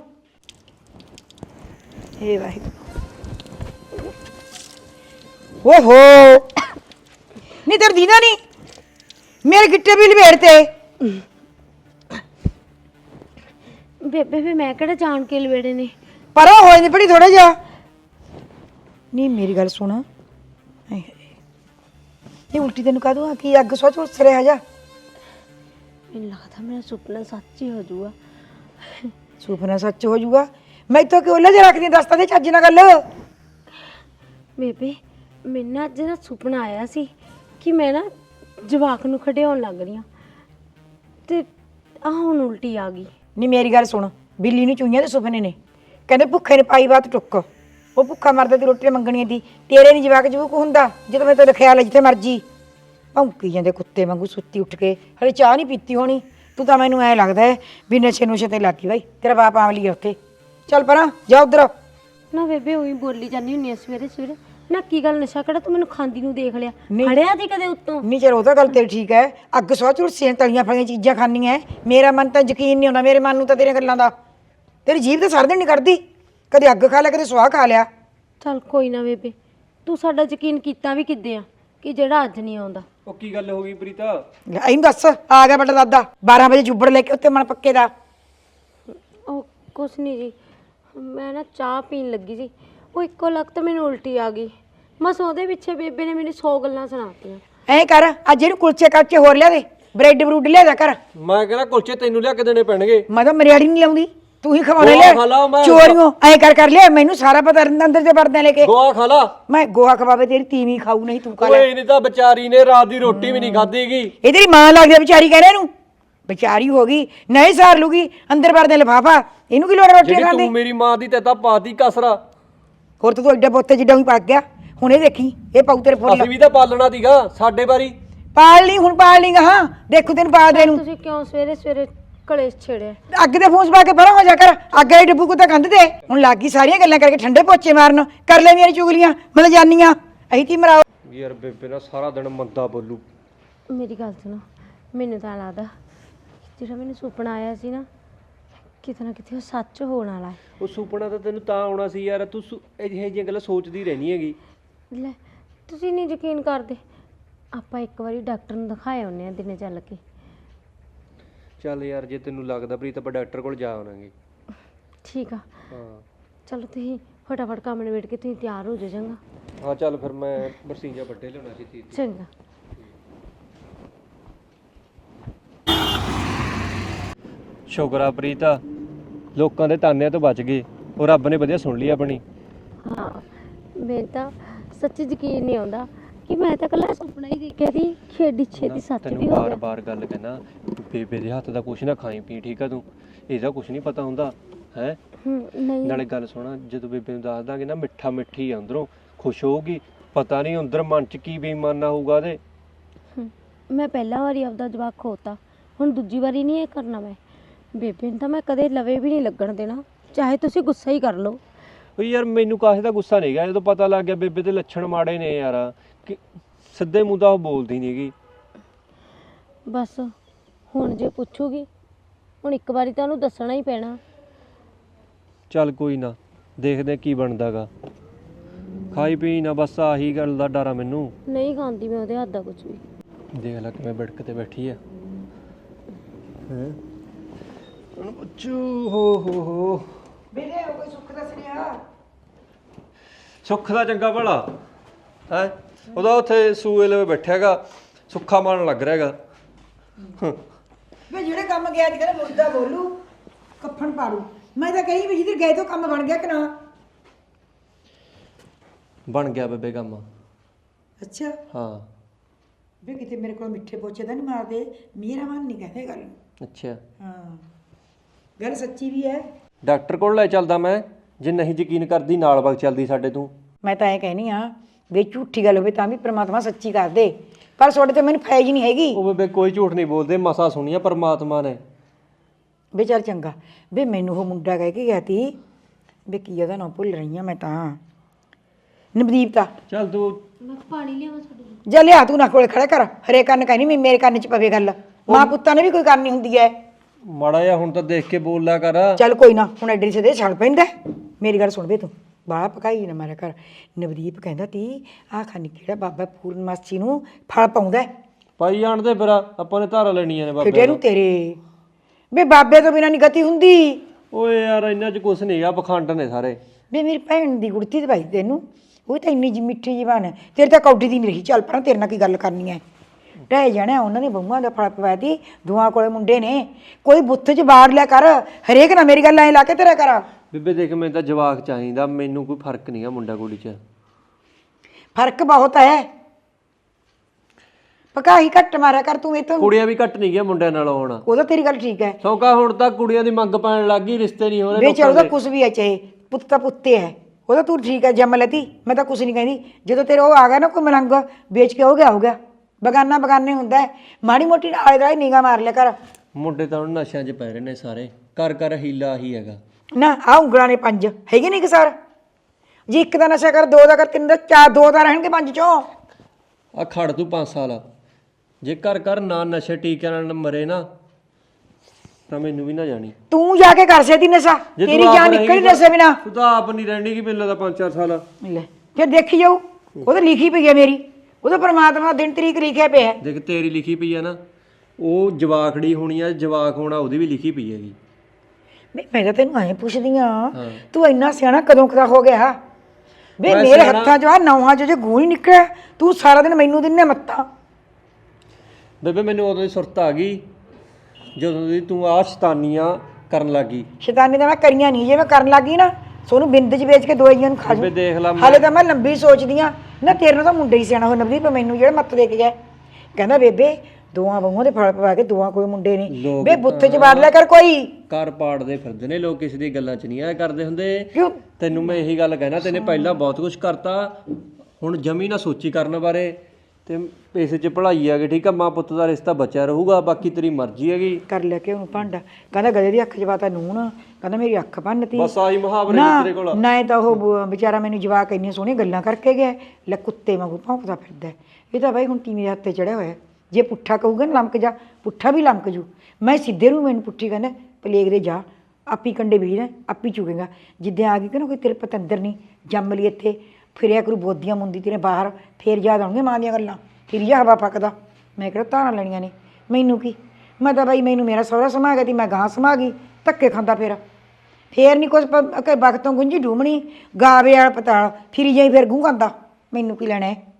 [SPEAKER 3] ਏ ਵਾਹਿਗੁਰੂ। ਓਹੋ ਨਹੀਂ ਤੇਰੇ ਦੀਦਾ ਨਹੀਂ, ਮੇਰੇ ਗਿੱਟੇ ਵੀ ਲਵੇੜਤੇ।
[SPEAKER 1] ਬੇਬੇ ਵੀ ਮੈਂ ਕਿਹੜਾ ਜਾਣ ਕੇ ਲਵੇੜੇ ਨੇ।
[SPEAKER 3] ਪਰ ਉਹ ਹੋਏ ਨਹੀਂ ਪੜੀ ਥੋੜਾ ਜਿਹਾ। ਨਹੀਂ ਮੇਰੀ ਗੱਲ ਸੁਣ, ਇਹ ਉਲਟੀ ਤੈਨੂੰ ਕਹ ਦੂੰ ਕੀ ਅੱਗ ਸੋਚ ਉਸ ਰਿਹਾ ਜਾ।
[SPEAKER 1] ਮੈਨੂੰ ਲੱਗਦਾ ਮੇਰਾ ਸੁਪਨਾ ਸੱਚ ਹੀ ਹੋ ਜਾਊਗਾ।
[SPEAKER 3] ਸੁਪਨਾ ਸੱਚ ਹੋ ਜਾਊਗਾ? ਮੈਂ ਤਾਂ ਕਿਉਂ ਲੱਜ ਰੱਖਦੀ, ਦੱਸਦਾ ਦੇ ਚੱਜ ਨਾਲ ਗੱਲ।
[SPEAKER 1] ਬੇਬੇ ਮੈਨੂੰ ਅੱਜ ਦਾ ਸੁਪਨਾ ਆਇਆ ਸੀ ਕਿ ਮੈਂ ਨਾ ਜਵਾਕ ਨੂੰ ਖਿਡਾਉਣ ਲੱਗ ਰਹੀ ਹਾਂ ਤੇ ਆ ਹੁਣ ਉਲਟੀ ਆ ਗਈ।
[SPEAKER 3] ਨਹੀਂ ਮੇਰੀ ਗੱਲ ਸੁਣ, ਬਿੱਲੀ ਨੂੰ ਚੂਹੀਆਂ ਦੇ ਸੁਪਨੇ ਨੇ, ਕਹਿੰਦੇ ਭੁੱਖੇ ਨੇ ਪਾਈ ਬਾਤ ਟੁੱਕ। ਉਹ ਭੁੱਖਾ ਮਰਦਾ ਤੇ ਰੋਟੀ ਮੰਗਣੀ ਦੀ। ਤੇਰੇ ਨਹੀਂ ਜਵਾਕ ਜਵੂਕ ਹੁੰਦਾ ਜਦੋਂ ਮੈਂ ਤੇਰੇ ਖਿਆਲ ਜਿੱਥੇ ਮਰਜੀ ਭੌਂਕੀ ਜਾਂਦੇ ਕੁੱਤੇ ਵਾਂਗੂ ਸੁੱਤੀ ਉੱਠ ਕੇ। ਹਲੇ ਚਾਹ ਨਹੀਂ ਪੀਤੀ ਹੋਣੀ ਤੂੰ ਤਾਂ, ਮੈਨੂੰ ਐ ਲੱਗਦਾ ਹੈ ਵੀ ਨਸ਼ੇ ਨੁਸ਼ੇ ਤੇ ਲੱਗੀ ਬਾਈ। ਤੇਰਾ ਬਾਪ ਆਵਲੀ ਆ ਉੱਥੇ। ਚੱਲ ਪਰਾਂ ਜਾ ਉਧਰ।
[SPEAKER 1] ਨਾ ਬੇਬੇ ਉਹੀ ਬੋਲੀ ਜਾਂਦੀ ਹੁੰਨੀ ਆ ਸਵੇਰੇ ਸਵੇਰੇ। ਨਾ ਕੀ ਗੱਲ ਨਸ਼ਾ ਕਿਹੜਾ ਤੂੰ ਮੈਨੂੰ ਖਾਂਦੀ ਨੂੰ ਦੇਖ ਲਿਆ? ਖੜਿਆ ਸੀ ਕਦੇ ਉੱਤੋਂ?
[SPEAKER 3] ਨਹੀਂ ਚਲ ਉਹ ਤਾਂ ਗੱਲ ਤੇਰੀ ਠੀਕ ਹੈ, ਅੱਗ ਸੋਚ ਉਰਸੀਆਂ ਤਲੀਆਂ ਫਲੀਆਂ ਚੀਜ਼ਾਂ ਖਾਣੀਆਂ। ਮੇਰਾ ਮਨ ਤਾਂ ਯਕੀਨ ਨਹੀਂ ਆਉਂਦਾ, ਮੇਰੇ ਮਨ ਨੂੰ ਤਾਂ ਤੇਰੀਆਂ ਗੱਲਾਂ ਦਾ। ਤੇਰੀ ਜੀਭ ਤਾਂ ਸਾਰਾ ਦਿਨ ਨਹੀਂ ਕੱਢਦੀ, ਕਦੇ ਅੱਗ ਖਾ ਲਿਆ ਕਦੇ ਸੁਆਹ ਖਾ ਲਿਆ।
[SPEAKER 1] ਚੱਲ ਕੋਈ ਨਾ ਬੇਬੇ, ਤੂੰ ਸਾਡਾ ਯਕੀਨ ਕੀਤਾ ਵੀ ਕਿੱਦੇ ਆ ਕਿ ਜਿਹੜਾ ਅੱਜ ਨਹੀਂ ਆਉਂਦਾ।
[SPEAKER 2] ਉਹ ਕੀ ਗੱਲ ਹੋ ਗਈ ਪ੍ਰੀਤਾ?
[SPEAKER 3] ਇਹਨੂੰ ਦੱਸ, ਆ ਗਿਆ ਬੜਾ ਦਾਦਾ 12 ਵਜੇ ਜੁੱਬੜ ਲੈ ਕੇ ਉੱਤੇ ਮਨ ਪੱਕੇ ਦਾ।
[SPEAKER 1] ਉਹ ਕੁਛ ਨਹੀਂ ਜੀ, ਮੈਂ ਨਾ ਚਾਹ ਪੀਣ ਲੱਗੀ ਸੀ, ਉਹ ਇੱਕੋ ਲਖਤ ਮੈਨੂੰ ਉਲਟੀ ਆ ਗਈ। ਬਸ ਉਹਦੇ ਪਿੱਛੇ ਬੇਬੇ ਨੇ ਮੈਨੂੰ 100 ਗੱਲਾਂ ਸੁਣਾਤੀਆਂ।
[SPEAKER 3] ਐਂ ਕਰ, ਅੱਜ ਇਹਨੂੰ ਕੁਲਚੇ ਕਾਚੇ ਹੋਰ ਲਿਆ ਦੇ, ਬ੍ਰੈਡ ਬਰੂਡ ਲਿਆ ਦਾ ਕਰ।
[SPEAKER 2] ਮੈਂ ਕਹਿੰਦਾ ਕੁਲਚੇ ਤੈਨੂੰ ਲਿਆ ਕੇ ਦੇਣੇ ਪੈਣਗੇ।
[SPEAKER 3] ਮੈਂ ਤਾਂ ਮਰਿਆੜੀ ਨਹੀਂ ਲਾਉਂਦੀ, ਤੂੰ ਹੀ ਖਵਾਉਣੇ
[SPEAKER 2] ਗੋਆ ਖਾ ਲਾ,
[SPEAKER 3] ਲਿਆ
[SPEAKER 2] ਮੈਂ-
[SPEAKER 3] ਚੋਰੀਆਂ। ਐਂ ਕਰ ਲਿਆ, ਮੈਨੂੰ ਸਾਰਾ ਪਤਾ ਅੰਦਰ ਦੇ ਵੜਦਿਆਂ ਲੈ ਕੇ।
[SPEAKER 2] ਗੋਆ ਖਾ ਲਾ।
[SPEAKER 3] ਮੈਂ ਗੋਆ ਖਵਾਵੇ ਤੇਰੀ ਤੀਵੀਂ ਖਾਊ, ਨਹੀਂ ਤੂੰ ਖਾ ਲੈ।
[SPEAKER 2] ਓਏ ਨਹੀਂ ਤਾਂ ਵਿਚਾਰੀ ਨੇ ਰਾਤ ਦੀ ਰੋਟੀ ਵੀ ਨਹੀਂ ਖਾਧੀਗੀ।
[SPEAKER 3] ਇਹ ਤੇਰੀ ਮਾਂ ਲੱਗਦੀ ਆ ਵਿਚਾਰੀ, ਕਹਿ ਇਹਨੂੰ ਵਿਚਾਰੀ ਹੋ ਗਈ, ਨਹੀਂ ਸਾਰ ਲੂਗੀ ਅੰਦਰ ਵੜਦੇ ਲਿਫਾਫਾ। ਇਹਨੂੰ ਕੀ ਲੋੜ ਰੋਟੀ
[SPEAKER 2] ਜਿਹੜੀ
[SPEAKER 3] ਖਾਣ ਦੀ?
[SPEAKER 2] ਤੂੰ ਮੇਰੀ ਮਾਂ ਦੀ ਤੇ ਤਾਂ ਪਾਤੀ ਕਸਰਾ।
[SPEAKER 3] ਹੋਰ ਤਾਂ ਤੂੰ ਐਡਾ ਬੋਤੇ ਜਿੱਡਾ ਵੀ ਪੱਕ ਗਿਆ। ਹੁਣ ਇਹ ਦੇਖੀ, ਇਹ ਪਾਉ ਤੇਰੇ ਫੁੱਲ
[SPEAKER 2] ਅਸੀਂ ਵੀ ਤਾਂ ਪਾਲਣਾ ਦੀਗਾ ਸਾਡੇ ਵਾਰੀ।
[SPEAKER 3] ਪਾਲ ਲਈ, ਹੁਣ ਪਾਲ ਲਈਗਾ। ਹਾਂ ਦੇਖੂ ਤੈਨੂੰ ਪਾ ਦੇ ਨੂੰ।
[SPEAKER 1] ਤੁਸੀਂ ਕਿਉਂ ਸਵੇਰੇ ਸਵੇਰੇ ਕਲੇਸ਼ ਛੇੜਿਆ?
[SPEAKER 3] ਅੱਗ ਦੇ ਫੂਸ ਪਾ ਕੇ ਪਰਾਂ ਹੋ ਜਾ ਕਰ, ਅੱਗ ਵਾਲੀ ਡੱਬੂ ਕੋ ਤਾਂ ਕੰਧ ਤੇ। ਹੁਣ ਲੱਗੀ ਸਾਰੀਆਂ ਗੱਲਾਂ ਕਰਕੇ ਠੰਡੇ ਪੋਚੇ ਮਾਰਨ, ਕਰ ਲੈ ਮੇਰੀ ਚੁਗਲੀਆਂ, ਮੈਂ ਜਾਨੀਆਂ ਅਹੀਂ ਤੀ ਮਰਾਓ।
[SPEAKER 2] ਯਾਰ ਬੇਬੇ ਨਾ ਸਾਰਾ ਦਿਨ ਮੰਦਾ ਬੋਲੂ।
[SPEAKER 1] ਮੇਰੀ ਗੱਲ ਸੁਣੋ, ਮੈਨੂੰ ਤਾਂ ਲੱਗਦਾ ਜਿਹੜਾ ਮੈਨੂੰ ਸੁਪਨਾ ਆਇਆ ਸੀ ਨਾ, ਕਿਤੇ ਨਾ ਕਿਤੇ ਉਹ ਸੱਚ ਹੋਣ ਵਾਲਾ ਹੈ।
[SPEAKER 2] ਉਹ ਸੁਪਨਾ ਤਾਂ ਤੈਨੂੰ ਤਾਂ ਆਉਣਾ ਸੀ ਯਾਰ, ਤੂੰ ਇਹੋ ਜਿਹੀਆਂ ਗੱਲਾਂ ਸੋਚਦੀ ਰਹਿਣੀ ਹੈਗੀ।
[SPEAKER 1] ਲੈ ਤੁਸੀਂ ਨਹੀਂ ਯਕੀਨ ਕਰਦੇ, ਆਪਾਂ ਇੱਕ ਵਾਰੀ ਡਾਕਟਰ ਨੂੰ ਦਿਖਾਏ ਆਉਂਦੇ ਆ ਦਿਨੇ ਚੱਲ ਕੇ।
[SPEAKER 2] ਚੱਲ ਯਾਰ ਜੇ ਤੈਨੂੰ ਲੱਗਦਾ ਪ੍ਰੀਤ ਆਪਾਂ ਡਾਕਟਰ ਕੋਲ ਜਾ ਆਵਾਂਗੇ।
[SPEAKER 1] ਠੀਕ ਆ,
[SPEAKER 2] ਹਾਂ
[SPEAKER 1] ਚਲੋ ਤੁਸੀਂ ਫਟਾਫਟ ਕੰਮ ਨਿਬੇੜ ਕੇ ਤੁਸੀਂ ਤਿਆਰ ਹੋ ਜਾਓ। ਚੰਗਾ
[SPEAKER 2] ਹਾਂ ਚੱਲ ਫਿਰ ਮੈਂ ਬਰਸੀਂਜਾ ਵੱਡੇ ਲਿਆਉਣਾ ਸੀ ਤੀ।
[SPEAKER 1] ਚੰਗਾ।
[SPEAKER 2] ਸ਼ੁਕਰ ਆ ਪ੍ਰੀਤ, ਲੋਕਾਂ ਦੇ ਤਾਨਿਆਂ ਤੋਂ ਬਚ ਗਏ, ਉਹ ਰੱਬ ਨੇ ਵਧੀਆ ਸੁਣ ਲਈ ਆਪਣੀ।
[SPEAKER 1] ਹਾਂ ਮੈਨੂੰ ਤਾਂ ਸੱਚੀ ਯਕੀਨ ਨਹੀਂ ਆਉਂਦਾ ਕਿ ਮੈਂ ਤਾਂ ਕੱਲਾ ਸੁਪਨਾ ਹੀ ਦੇਖਿਆ ਸੀ, ਖੇਡੀ ਛੇਤੀ ਸੱਚ
[SPEAKER 2] ਤੈਨੂੰ
[SPEAKER 1] ਵੀ ਹੋ ਗਿਆ।
[SPEAKER 2] ਬਾਰ-ਬਾਰ ਗੱਲ ਕਹਿਣਾ, ਬੇਬੇ ਦੇ ਹੱਥ ਦਾ ਕੁਛ ਨਾ ਖਾਈ ਪੀ, ਠੀਕ ਆ ਤੂੰ? ਇਹਦਾ ਕੁਛ ਨਹੀਂ ਪਤਾ ਹੁੰਦਾ ਹੈ।
[SPEAKER 1] ਨਹੀਂ
[SPEAKER 2] ਨਾਲੇ ਗੱਲ ਸੁਣਾ, ਜਦੋਂ ਬੇਬੇ ਨੂੰ ਦੱਸ ਦਾਂਗੇ ਨਾ, ਮਿੱਠਾ ਮਿੱਠੀ ਆ ਅੰਦਰੋਂ ਖੁਸ਼ ਹੋਊਗੀ। ਪਤਾ ਨਹੀਂ ਅੰਦਰ ਮਨ ਚ ਕੀ ਬੇਈਮਾਨਾ ਹੋਊਗਾ ਉਹਦੇ।
[SPEAKER 1] ਮੈਂ ਪਹਿਲਾ ਵਾਰੀ ਆਪਦਾ ਜਵਾਕ ਖੋਤਾ, ਹੁਣ ਦੂਜੀ ਵਾਰੀ ਨਹੀਂ ਇਹ ਕਰਨਾ। ਮੈਂ ਬੇਬੇ ਨੂੰ ਤਾਂ ਮੈਂ ਕਦੇ ਲਵੇ ਵੀ ਨਹੀਂ ਲੱਗਣ ਦੇਣਾ, ਚਾਹੇ ਤੁਸੀਂ ਗੁੱਸਾ ਹੀ ਕਰ ਲਓ।
[SPEAKER 2] ਉਹ ਯਾਰ ਮੈਨੂੰ ਕਾਹੇ ਦਾ ਗੁੱਸਾ ਨਹੀਂ ਗਿਆ ਜਦੋਂ ਪਤਾ ਲੱਗ ਗਿਆ ਬੇਬੇ ਦੇ ਲੱਛਣ ਮਾੜੇ ਨੇ ਯਾਰ ਕਿ ਸਿੱਧੇ ਮੂੰਹ ਤਾਂ ਉਹ ਬੋਲਦੀ ਨਹੀਂਗੀ।
[SPEAKER 1] ਬਸ ਹੁਣ ਜੇ ਪੁੱਛੂਗੀ ਹੁਣ ਇੱਕ ਵਾਰੀ ਤਾਂ ਉਹਨੂੰ ਦੱਸਣਾ ਹੀ ਪੈਣਾ।
[SPEAKER 2] ਚੱਲ ਕੋਈ ਨਾ, ਦੇਖਦੇ ਕੀ ਬਣਦਾਗਾ। ਖਾਈ ਪੀ ਨਾ, ਬਸ ਆਹੀ ਗੱਲ ਦਾ ਡਰ ਆ ਮੈਨੂੰ।
[SPEAKER 1] ਨਹੀਂ ਖਾਂਦੀ ਮੈਂ ਉਹਦੇ ਹੱਥ ਦਾ ਕੁਝ ਵੀ।
[SPEAKER 2] ਦੇਖ ਲੈ ਕਿਵੇਂ ਬਿੜਕ ਤੇ ਬੈਠੀ ਆ ਹੈ। ਉਹਨੂੰ ਪੁੱਛੂ ਹੋ
[SPEAKER 3] ਬੇਲੇ ਉਹ ਕੋਈ ਸੁੱਖ ਦੱਸ ਰਿਹਾ।
[SPEAKER 2] ਸੁੱਖ ਦਾ ਚੰਗਾ ਭਲਾ ਹੈ, ਉਹਦਾ ਉੱਥੇ ਸੂਏ ਲਵੇ ਬੈਠਿਆਗਾ, ਸੁੱਖਾ ਮਾਰਨ ਲੱਗ ਰਿਹਾਗਾ।
[SPEAKER 3] ਵੇ ਜਿਹੜੇ ਕੰਮ ਗਿਆ ਅੱਜ ਕੱਲ੍ਹ ਮੁੱਦਾ ਬੋਲੂ ਕੱਫਣ ਪਾੜੂ। ਮੈਂ ਤਾਂ ਕਹੀ ਵੀ ਜਿੱਧਰ ਗਏ ਤੋਂ ਕੰਮ ਬਣ ਗਿਆ ਕਿ ਨਾ।
[SPEAKER 2] ਬਣ ਗਿਆ ਬੇਬੇ ਕੰਮ।
[SPEAKER 3] ਅੱਛਾ
[SPEAKER 2] ਹਾਂ।
[SPEAKER 3] ਵੇ ਕਿਤੇ ਮੇਰੇ ਕੋਲ ਮਿੱਠੇ ਪੋਚੇ ਤਾਂ ਨਹੀਂ ਮਾਰਦੇ, ਮੇਰਾ ਮਨ ਨਹੀਂ ਕਹਿੰਦੇ ਗੱਲ।
[SPEAKER 2] ਅੱਛਾ
[SPEAKER 3] ਹਾਂ ਗੱਲ ਸੱਚੀ ਵੀ ਹੈ।
[SPEAKER 2] ਡਾਕਟਰ ਕੋਲ ਲੈ ਚੱਲਦਾ ਮੈਂ, ਜੇ ਨਹੀਂ ਯਕੀਨ ਕਰਦੀ ਨਾਲ ਵਗ ਚੱਲਦੀ ਸਾਡੇ ਤੂੰ।
[SPEAKER 3] ਮੈਂ ਤਾਂ ਐ ਕਹਿਨੀ ਆ ਵੀ ਝੂਠੀ ਗੱਲ ਹੋਵੇ ਤਾਂ ਵੀ ਪ੍ਰਮਾਤਮਾ ਸੱਚੀ ਕਰ ਦੇ, ਪਰ ਤੁਹਾਡੇ ਤੇ ਮੈਨੂੰ ਫੈਜ ਨਹੀਂ ਹੈਗੀ।
[SPEAKER 2] ਉਹ ਬੇਬੇ ਕੋਈ ਝੂਠ ਨਹੀਂ ਬੋਲਦੇ, ਮਸਾ ਸੁਣੀਆ ਪਰਮਾਤਮਾ ਨੇ।
[SPEAKER 3] ਵੇ ਚੱਲ ਚੰਗਾ ਵੇ ਮੈਨੂੰ ਉਹ ਮੁੰਡਾ ਕਹਿ ਕੇ ਗਿਆ ਤੀ ਵੇ ਕੀ ਉਹਦਾ ਨਾਂ ਭੁੱਲ ਰਹੀ ਆ ਮੈਂ ਤਾਂ, ਨਵਦੀਪ ਦਾ।
[SPEAKER 2] ਚੱਲ ਤੂੰ
[SPEAKER 1] ਮੈਂ ਪਾਣੀ ਲਿਆਵਾਂ ਤੁਹਾਡੇ ਲਈ?
[SPEAKER 3] ਜਾ ਲਿਆ ਤੂੰ ਨਾ ਕੋਲੇ ਖੜਾ ਕਰ, ਹਰੇ ਕੰਨ ਕਹਿਨੀ ਮੇਰੇ ਕੰਨ 'ਚ ਪਵੇ ਗੱਲ। ਮਾਂ ਪੁੱਤਾਂ ਨੇ ਵੀ ਕੋਈ ਕਰਨੀ ਹੁੰਦੀ ਐ।
[SPEAKER 2] ਮਾੜਾ ਜਿਹਾ ਹੁਣ ਤਾਂ ਦੇਖ ਕੇ ਬੋਲ ਲਿਆ ਕਰ।
[SPEAKER 3] ਚੱਲ ਕੋਈ ਨਾ, ਹੁਣ ਐਡੀ ਸਦੇ ਛੜ ਪੈਂਦਾ। ਮੇਰੀ ਗੱਲ ਸੁਣ ਵੇ ਤੂੰ, ਬਾਹਲਾ ਪਕਾਈ ਨਾ ਮਾਰਿਆ ਕਰ। ਨਵਦੀਪ ਕਹਿੰਦਾ ਤੀ ਆਹ ਖਾਨੀ ਕਿਹੜਾ ਬਾਬਾ ਪੂਰਨਮਾਸੀ ਨੂੰ ਫਲ ਪਾਉਂਦਾ।
[SPEAKER 2] ਪਾਈ ਜਾਣਦੇ ਫਿਰ, ਆਪਾਂ ਨੇ ਧਾਰਾ ਲੈਣੀਆਂ ਨੇ ਬਾਬੇ
[SPEAKER 3] ਫਿਟੇ ਨੂੰ ਤੇਰੇ ਵੇ ਬਾਬੇ ਤੋਂ ਬਿਨਾਂ ਨਹੀਂ ਗਤੀ ਹੁੰਦੀ।
[SPEAKER 2] ਓਏ ਯਾਰ ਇਹਨਾਂ 'ਚ ਕੁਛ ਨਹੀਂ ਆ, ਪਖੰਡ ਨੇ ਸਾਰੇ।
[SPEAKER 3] ਵੇ ਮੇਰੀ ਭੈਣ ਦੀ ਗੁੜਤੀ ਤੇ ਭਾਈ ਤੈਨੂੰ, ਉਹ ਤਾਂ ਇੰਨੀ ਜੀ ਮਿੱਠੀ ਜ਼ਬਾਨ ਹੈ, ਤੇਰੇ ਤਾਂ ਕੌਡੀ ਦੀ ਨਹੀਂ ਰਹੀ। ਚੱਲ ਪਰ ਤੇਰੇ ਨਾਲ ਕੀ ਗੱਲ ਕਰਨੀ ਹੈ। ਢਹਿ ਜਾਣਾ ਉਹਨਾਂ ਨੇ ਬਹੂਆਂ ਦਾ ਫਲ ਪਵਾਇਆ ਤੀ, ਦੁਆ ਕੋਲੇ ਮੁੰਡੇ ਨੇ। ਕੋਈ ਬੁੱਥ 'ਚ ਬਾੜ ਲਿਆ ਕਰ, ਹਰੇਕ ਨਾ ਮੇਰੀ ਗੱਲ ਐ ਲਾ ਕੇ ਤੇਰਾ ਕਰ।
[SPEAKER 2] ਬੇਬੇ ਦੇਖ ਮੈਨੂੰ ਤਾਂ ਜਵਾਕ ਚਾਹੀਦਾ, ਮੈਨੂੰ ਕੋਈ ਫਰਕ ਨਹੀਂ ਆ ਮੁੰਡਾ ਕੁੜੀ 'ਚ।
[SPEAKER 3] ਫਰਕ ਬਹੁਤ ਹੈ, ਪਕਾਈ ਘੱਟ ਮਾਰਿਆ ਕਰ ਤੂੰ। ਇਹ ਤੋਂ
[SPEAKER 2] ਕੁੜੀਆਂ ਵੀ ਘੱਟ ਨਹੀਂ ਗਿਆ ਮੁੰਡਿਆਂ ਨਾਲ ਹੁਣ।
[SPEAKER 3] ਉਹ ਤਾਂ ਤੇਰੀ ਗੱਲ ਠੀਕ ਹੈ।
[SPEAKER 2] ਸੌਕਾ ਹੁਣ ਤਾਂ ਕੁੜੀਆਂ ਦੀ ਮੰਗ ਪੈਣ ਲੱਗ ਗਈ, ਰਿਸ਼ਤੇ ਨਹੀਂ ਹੋ ਰਹੇ
[SPEAKER 3] ਵੇ
[SPEAKER 2] ਲੋਕਾਂ
[SPEAKER 3] ਚਲ ਉਹਦਾ
[SPEAKER 2] ਦੇ।
[SPEAKER 3] ਕੁਛ ਵੀ ਹੈ, ਚਾਹੇ ਪੁੱਤ ਤਾਂ ਪੁੱਤੇ ਹੈ, ਉਹਦਾ ਤੂੰ ਠੀਕ ਹੈ ਜੰਮ ਲੈਤੀ। ਮੈਂ ਤਾਂ ਕੁਛ ਨਹੀਂ ਕਹਿੰਦੀ, ਜਦੋਂ ਤੇਰੇ ਉਹ ਆ ਗਿਆ ਨਾ ਕੋਈ ਮਲੰਗ ਵੇਚ ਕੇ ਹੋ ਗਿਆ। ਬਗਾਨਾ ਬਗਾਨੇ ਹੁੰਦਾ ਹੈ, ਮਾੜੀ ਮੋਟੀ ਆਲੇ ਦੁਆਲੇ ਨਿਗਾਹ ਮਾਰ ਲਿਆ ਕਰ।
[SPEAKER 2] ਮੁੰਡੇ ਤਾਂ ਹੁਣ ਨਸ਼ਿਆਂ 'ਚ ਪੈ ਰਹੇ ਨੇ ਸਾਰੇ, ਕਰ ਹੀਲਾ ਹੀ ਹੈਗਾ
[SPEAKER 3] ਨਾ ਆਹ ਉਂਗਲਾਂ ਨੇ 5 ਹੈਗੇ ਨਹੀਂ ਕਿ ਸਰ, ਜੇ ਇੱਕ ਦਾ ਨਸ਼ਾ ਕਰ, ਦੋ ਦਾ ਕਰ, ਤਿੰਨ ਦਾ, ਚਾਰ, ਦੋ ਦਾ ਰਹਿਣਗੇ 5 ਚੋਂ।
[SPEAKER 2] ਆ ਖੜ ਤੂੰ 5 ਸਾਲ, ਜੇ ਕਰ ਨਾ ਨਸ਼ੇ ਟੀਕਿਆਂ ਨਾਲ ਮਰੇ ਨਾ ਤਾਂ ਮੈਨੂੰ ਵੀ ਨਾ ਜਾਣੀ।
[SPEAKER 3] ਤੂੰ ਜਾ ਕੇ ਕਰ ਸਕਦੀ ਨਸ਼ਾ,
[SPEAKER 2] ਜੇ
[SPEAKER 3] ਤੇਰੀ
[SPEAKER 2] ਤੂੰ ਆਪ
[SPEAKER 3] ਜਾਨ
[SPEAKER 2] ਰਹੇਂਗੀ
[SPEAKER 3] ਨਿਕਲ
[SPEAKER 2] ਤਾਂ-
[SPEAKER 3] ਨਸ਼ੇ ਬਿਨਾ।
[SPEAKER 2] ਤੂੰ ਤਾਂ ਆਪ ਨਹੀਂ ਰਹਿਣੀ ਕਿ ਮੈਨੂੰ ਲੱਗਦਾ 5-4 ਸਾਲ।
[SPEAKER 3] ਲੈ ਫਿਰ ਦੇਖੀ ਜਾਊ, ਉਹ ਤਾਂ ਲਿਖੀ ਪਈ ਹੈ ਮੇਰੀ, ਉਹ ਤਾਂ ਪਰਮਾਤਮਾ ਦਾ ਦਿਨ ਤਰੀਕ ਲਿਖਿਆ ਪਿਆ ਹੈ।
[SPEAKER 2] ਦੇਖ ਤੇਰੀ ਲਿਖੀ ਪਈ ਆ ਨਾ, ਉਹ ਜਵਾਕੜੀ ਹੋਣੀ ਆ, ਜਵਾਕ ਹੋਣਾ ਉਹਦੀ ਵੀ ਲਿਖੀ ਪਈ ਹੈਗੀ।
[SPEAKER 3] ਮੈਂ ਤਾਂ ਤੈਨੂੰ ਐਂ ਪੁੱਛਦੀ ਆ, ਤੂੰ ਇੰਨਾ ਸਿਆਣਾ ਕਦੋਂ ਕਦਾ ਹੋ ਗਿਆ ਵੇ?
[SPEAKER 2] ਮੈਂ
[SPEAKER 3] ਮੇਰੇ
[SPEAKER 2] ਸਿਆਣਾ-
[SPEAKER 3] ਹੱਥਾਂ 'ਚ ਆ ਨੌਹਾਂ 'ਚ ਜੇ ਗੂੰ ਹੀ ਨਿਕਲਿਆ, ਤੂੰ ਸਾਰਾ ਦਿਨ ਮੈਨੂੰ ਦਿੰਨੇ ਮੱਤਾਂ।
[SPEAKER 2] ਬੇਬੇ ਮੈਨੂੰ ਉਦੋਂ ਦੀ ਸੁਰਤ ਆ ਗਈ ਜਦੋਂ ਦੀ ਤੂੰ ਆਹ ਸ਼ੈਤਾਨੀਆਂ ਕਰਨ ਲੱਗੀ।
[SPEAKER 3] ਸ਼ੈਤਾਨੀ ਤਾਂ ਮੈਂ ਕਰੀਆਂ ਨਹੀਂ, ਜੇ ਮੈਂ ਕਰਨ ਲੱਗੀ ਨਾ ਸੋਨੂੰ ਬਿੰਦ 'ਚ ਵੇਚ ਕੇ ਦੋ ਜੀਆਂ ਨੂੰ ਖਾ
[SPEAKER 2] ਬੇਬੇ
[SPEAKER 3] ਜੂ।
[SPEAKER 2] ਦੇਖ ਲਾ
[SPEAKER 3] ਹਾਲੇ ਤਾਂ ਮੈਂ ਲੰਬੀ ਸੋਚਦੀ ਆ ਨਾ, ਤੇਰੇ ਨਾਲ ਤਾਂ ਮੁੰਡਾ ਹੀ ਸਿਆਣਾ ਹੋ ਨਵਦੀਪ, ਮੈਨੂੰ ਜਿਹੜਾ ਮੱਤ ਦੇ ਕੇ ਗਿਆ ਕਹਿੰਦਾ ਬੇਬੇ ਦੋਆਂ ਬਹੂਆਂ ਦੇ ਫਲ ਪਵਾ ਕੇ ਦੋਆਂ ਕੋਈ ਮੁੰਡੇ ਨੇ
[SPEAKER 2] ਲੋਕ
[SPEAKER 3] ਵੇ ਬੁੱਥੇ 'ਚ ਬਾੜ ਲਿਆ ਕਰ ਕੋਈ।
[SPEAKER 2] ਘਰ ਪਾੜਦੇ ਫਿਰਦੇ ਨੇ ਲੋਕ, ਕਿਸੇ ਦੀ ਗੱਲਾਂ 'ਚ ਨਹੀਂ ਆਇਆ ਕਰਦੇ ਹੁੰਦੇ।
[SPEAKER 3] ਕਿਉਂ?
[SPEAKER 2] ਤੈਨੂੰ ਮੈਂ ਇਹੀ ਗੱਲ ਕਹਿਣਾ, ਤੈਨੇ ਪਹਿਲਾਂ ਬਹੁਤ ਕੁਝ ਕਰਤਾ, ਹੁਣ ਜਮੀ ਨਾ ਸੋਚੀ ਕਰਨ ਬਾਰੇ। ਤੇ ਪੈਸੇ 'ਚ ਪੜ੍ਹਾਈ ਆ ਗਈ, ਠੀਕ ਆ, ਮਾਂ ਪੁੱਤ ਦਾ ਰਿਸ਼ਤਾ ਬਚਿਆ ਰਹੂਗਾ, ਬਾਕੀ ਤੇਰੀ ਮਰਜ਼ੀ ਹੈਗੀ।
[SPEAKER 3] ਕਰ ਲਿਆ ਕਿ ਉਹਨੂੰ ਭਾਂਡਾ, ਕਹਿੰਦਾ ਗਲੇ ਦੀ ਅੱਖ 'ਚ ਪਾਤਾ ਨੂਣ, ਕਹਿੰਦਾ ਮੇਰੀ ਅੱਖ ਭੰਨਤੀ।
[SPEAKER 2] ਬਸ ਆਹੀ ਮੁਹਾਵਰੇ ਨੇ ਤੇਰੇ ਕੋਲ।
[SPEAKER 3] ਨਾ ਤਾਂ ਉਹ ਵਿਚਾਰਾ ਮੈਨੂੰ ਜਵਾਕ ਇੰਨੀਆਂ ਸੋਹਣੀਆਂ ਗੱਲਾਂ ਕਰਕੇ ਗਿਆ, ਲੈ ਕੁੱਤੇ ਵਾਂਗੂ ਭੌਂਕਦਾ ਫਿਰਦਾ। ਇਹ ਤਾਂ ਬਾਈ ਹੁਣ ਤੀਵੇਂ ਹੱਥ ਤੇ ਚੜਿਆ ਹੋਇਆ, ਜੇ ਪੁੱਠਾ ਕਹੂਗਾ ਨਾ ਲੰਮਕ ਜਾ, ਪੁੱਠਾ ਵੀ ਲੰਮਕ ਜੂ। ਮੈਂ ਸਿੱਧੇ ਨੂੰ ਮੈਨੂੰ ਪੁੱਠੀ ਕਹਿੰਦਾ ਪਲੇਗ ਦੇ ਜਾ, ਆਪੀ ਕੰਡੇ ਬੀਜ ਨਾ ਆਪੀ ਚੁਗੇਗਾ। ਜਿੱਦਾਂ ਆ ਗਈ ਕਿ ਨਾ ਕੋਈ ਤੇਰੇ ਪਤੰਦਰ ਨਹੀਂ ਜੰਮ ਲਈ ਇੱਥੇ, ਫਿਰਿਆ ਕਰੂ ਬੋਦੀਆਂ ਮੁੰਦੀ ਤੇਰੇ ਬਾਹਰ, ਫੇਰ ਯਾਦ ਆਉਣਗੀਆਂ ਮਾਂ ਦੀਆਂ ਗੱਲਾਂ, ਫਿਰ ਇਹ ਹਵਾ ਪੱਕਦਾ। ਮੈਂ ਕਿਹੜਾ ਧਾਰਾਂ ਲੈਣੀਆਂ ਨੇ, ਮੈਨੂੰ ਕੀ, ਮੈਂ ਤਾਂ ਬਾਈ ਮੈਨੂੰ ਮੇਰਾ ਸਹੁਰਾ ਸਮਾ ਗਿਆ ਤੀ, ਮੈਂ ਗਾਂ ਸਮਾ ਗਈ, ਧੱਕੇ ਖਾਂਦਾ ਫੇਰ ਨਹੀਂ ਕੁਛ ਵਕਤੋਂ ਗੁੰਜੀ ਡੂਮਣੀ ਗਾਵੇ ਵਾਲਾ ਪਤਾਲ ਫਿਰੀ ਜਾਈ, ਫਿਰ ਗੂੰ ਖਾਂਦਾ, ਮੈਨੂੰ ਕੀ ਲੈਣਾ ਹੈ।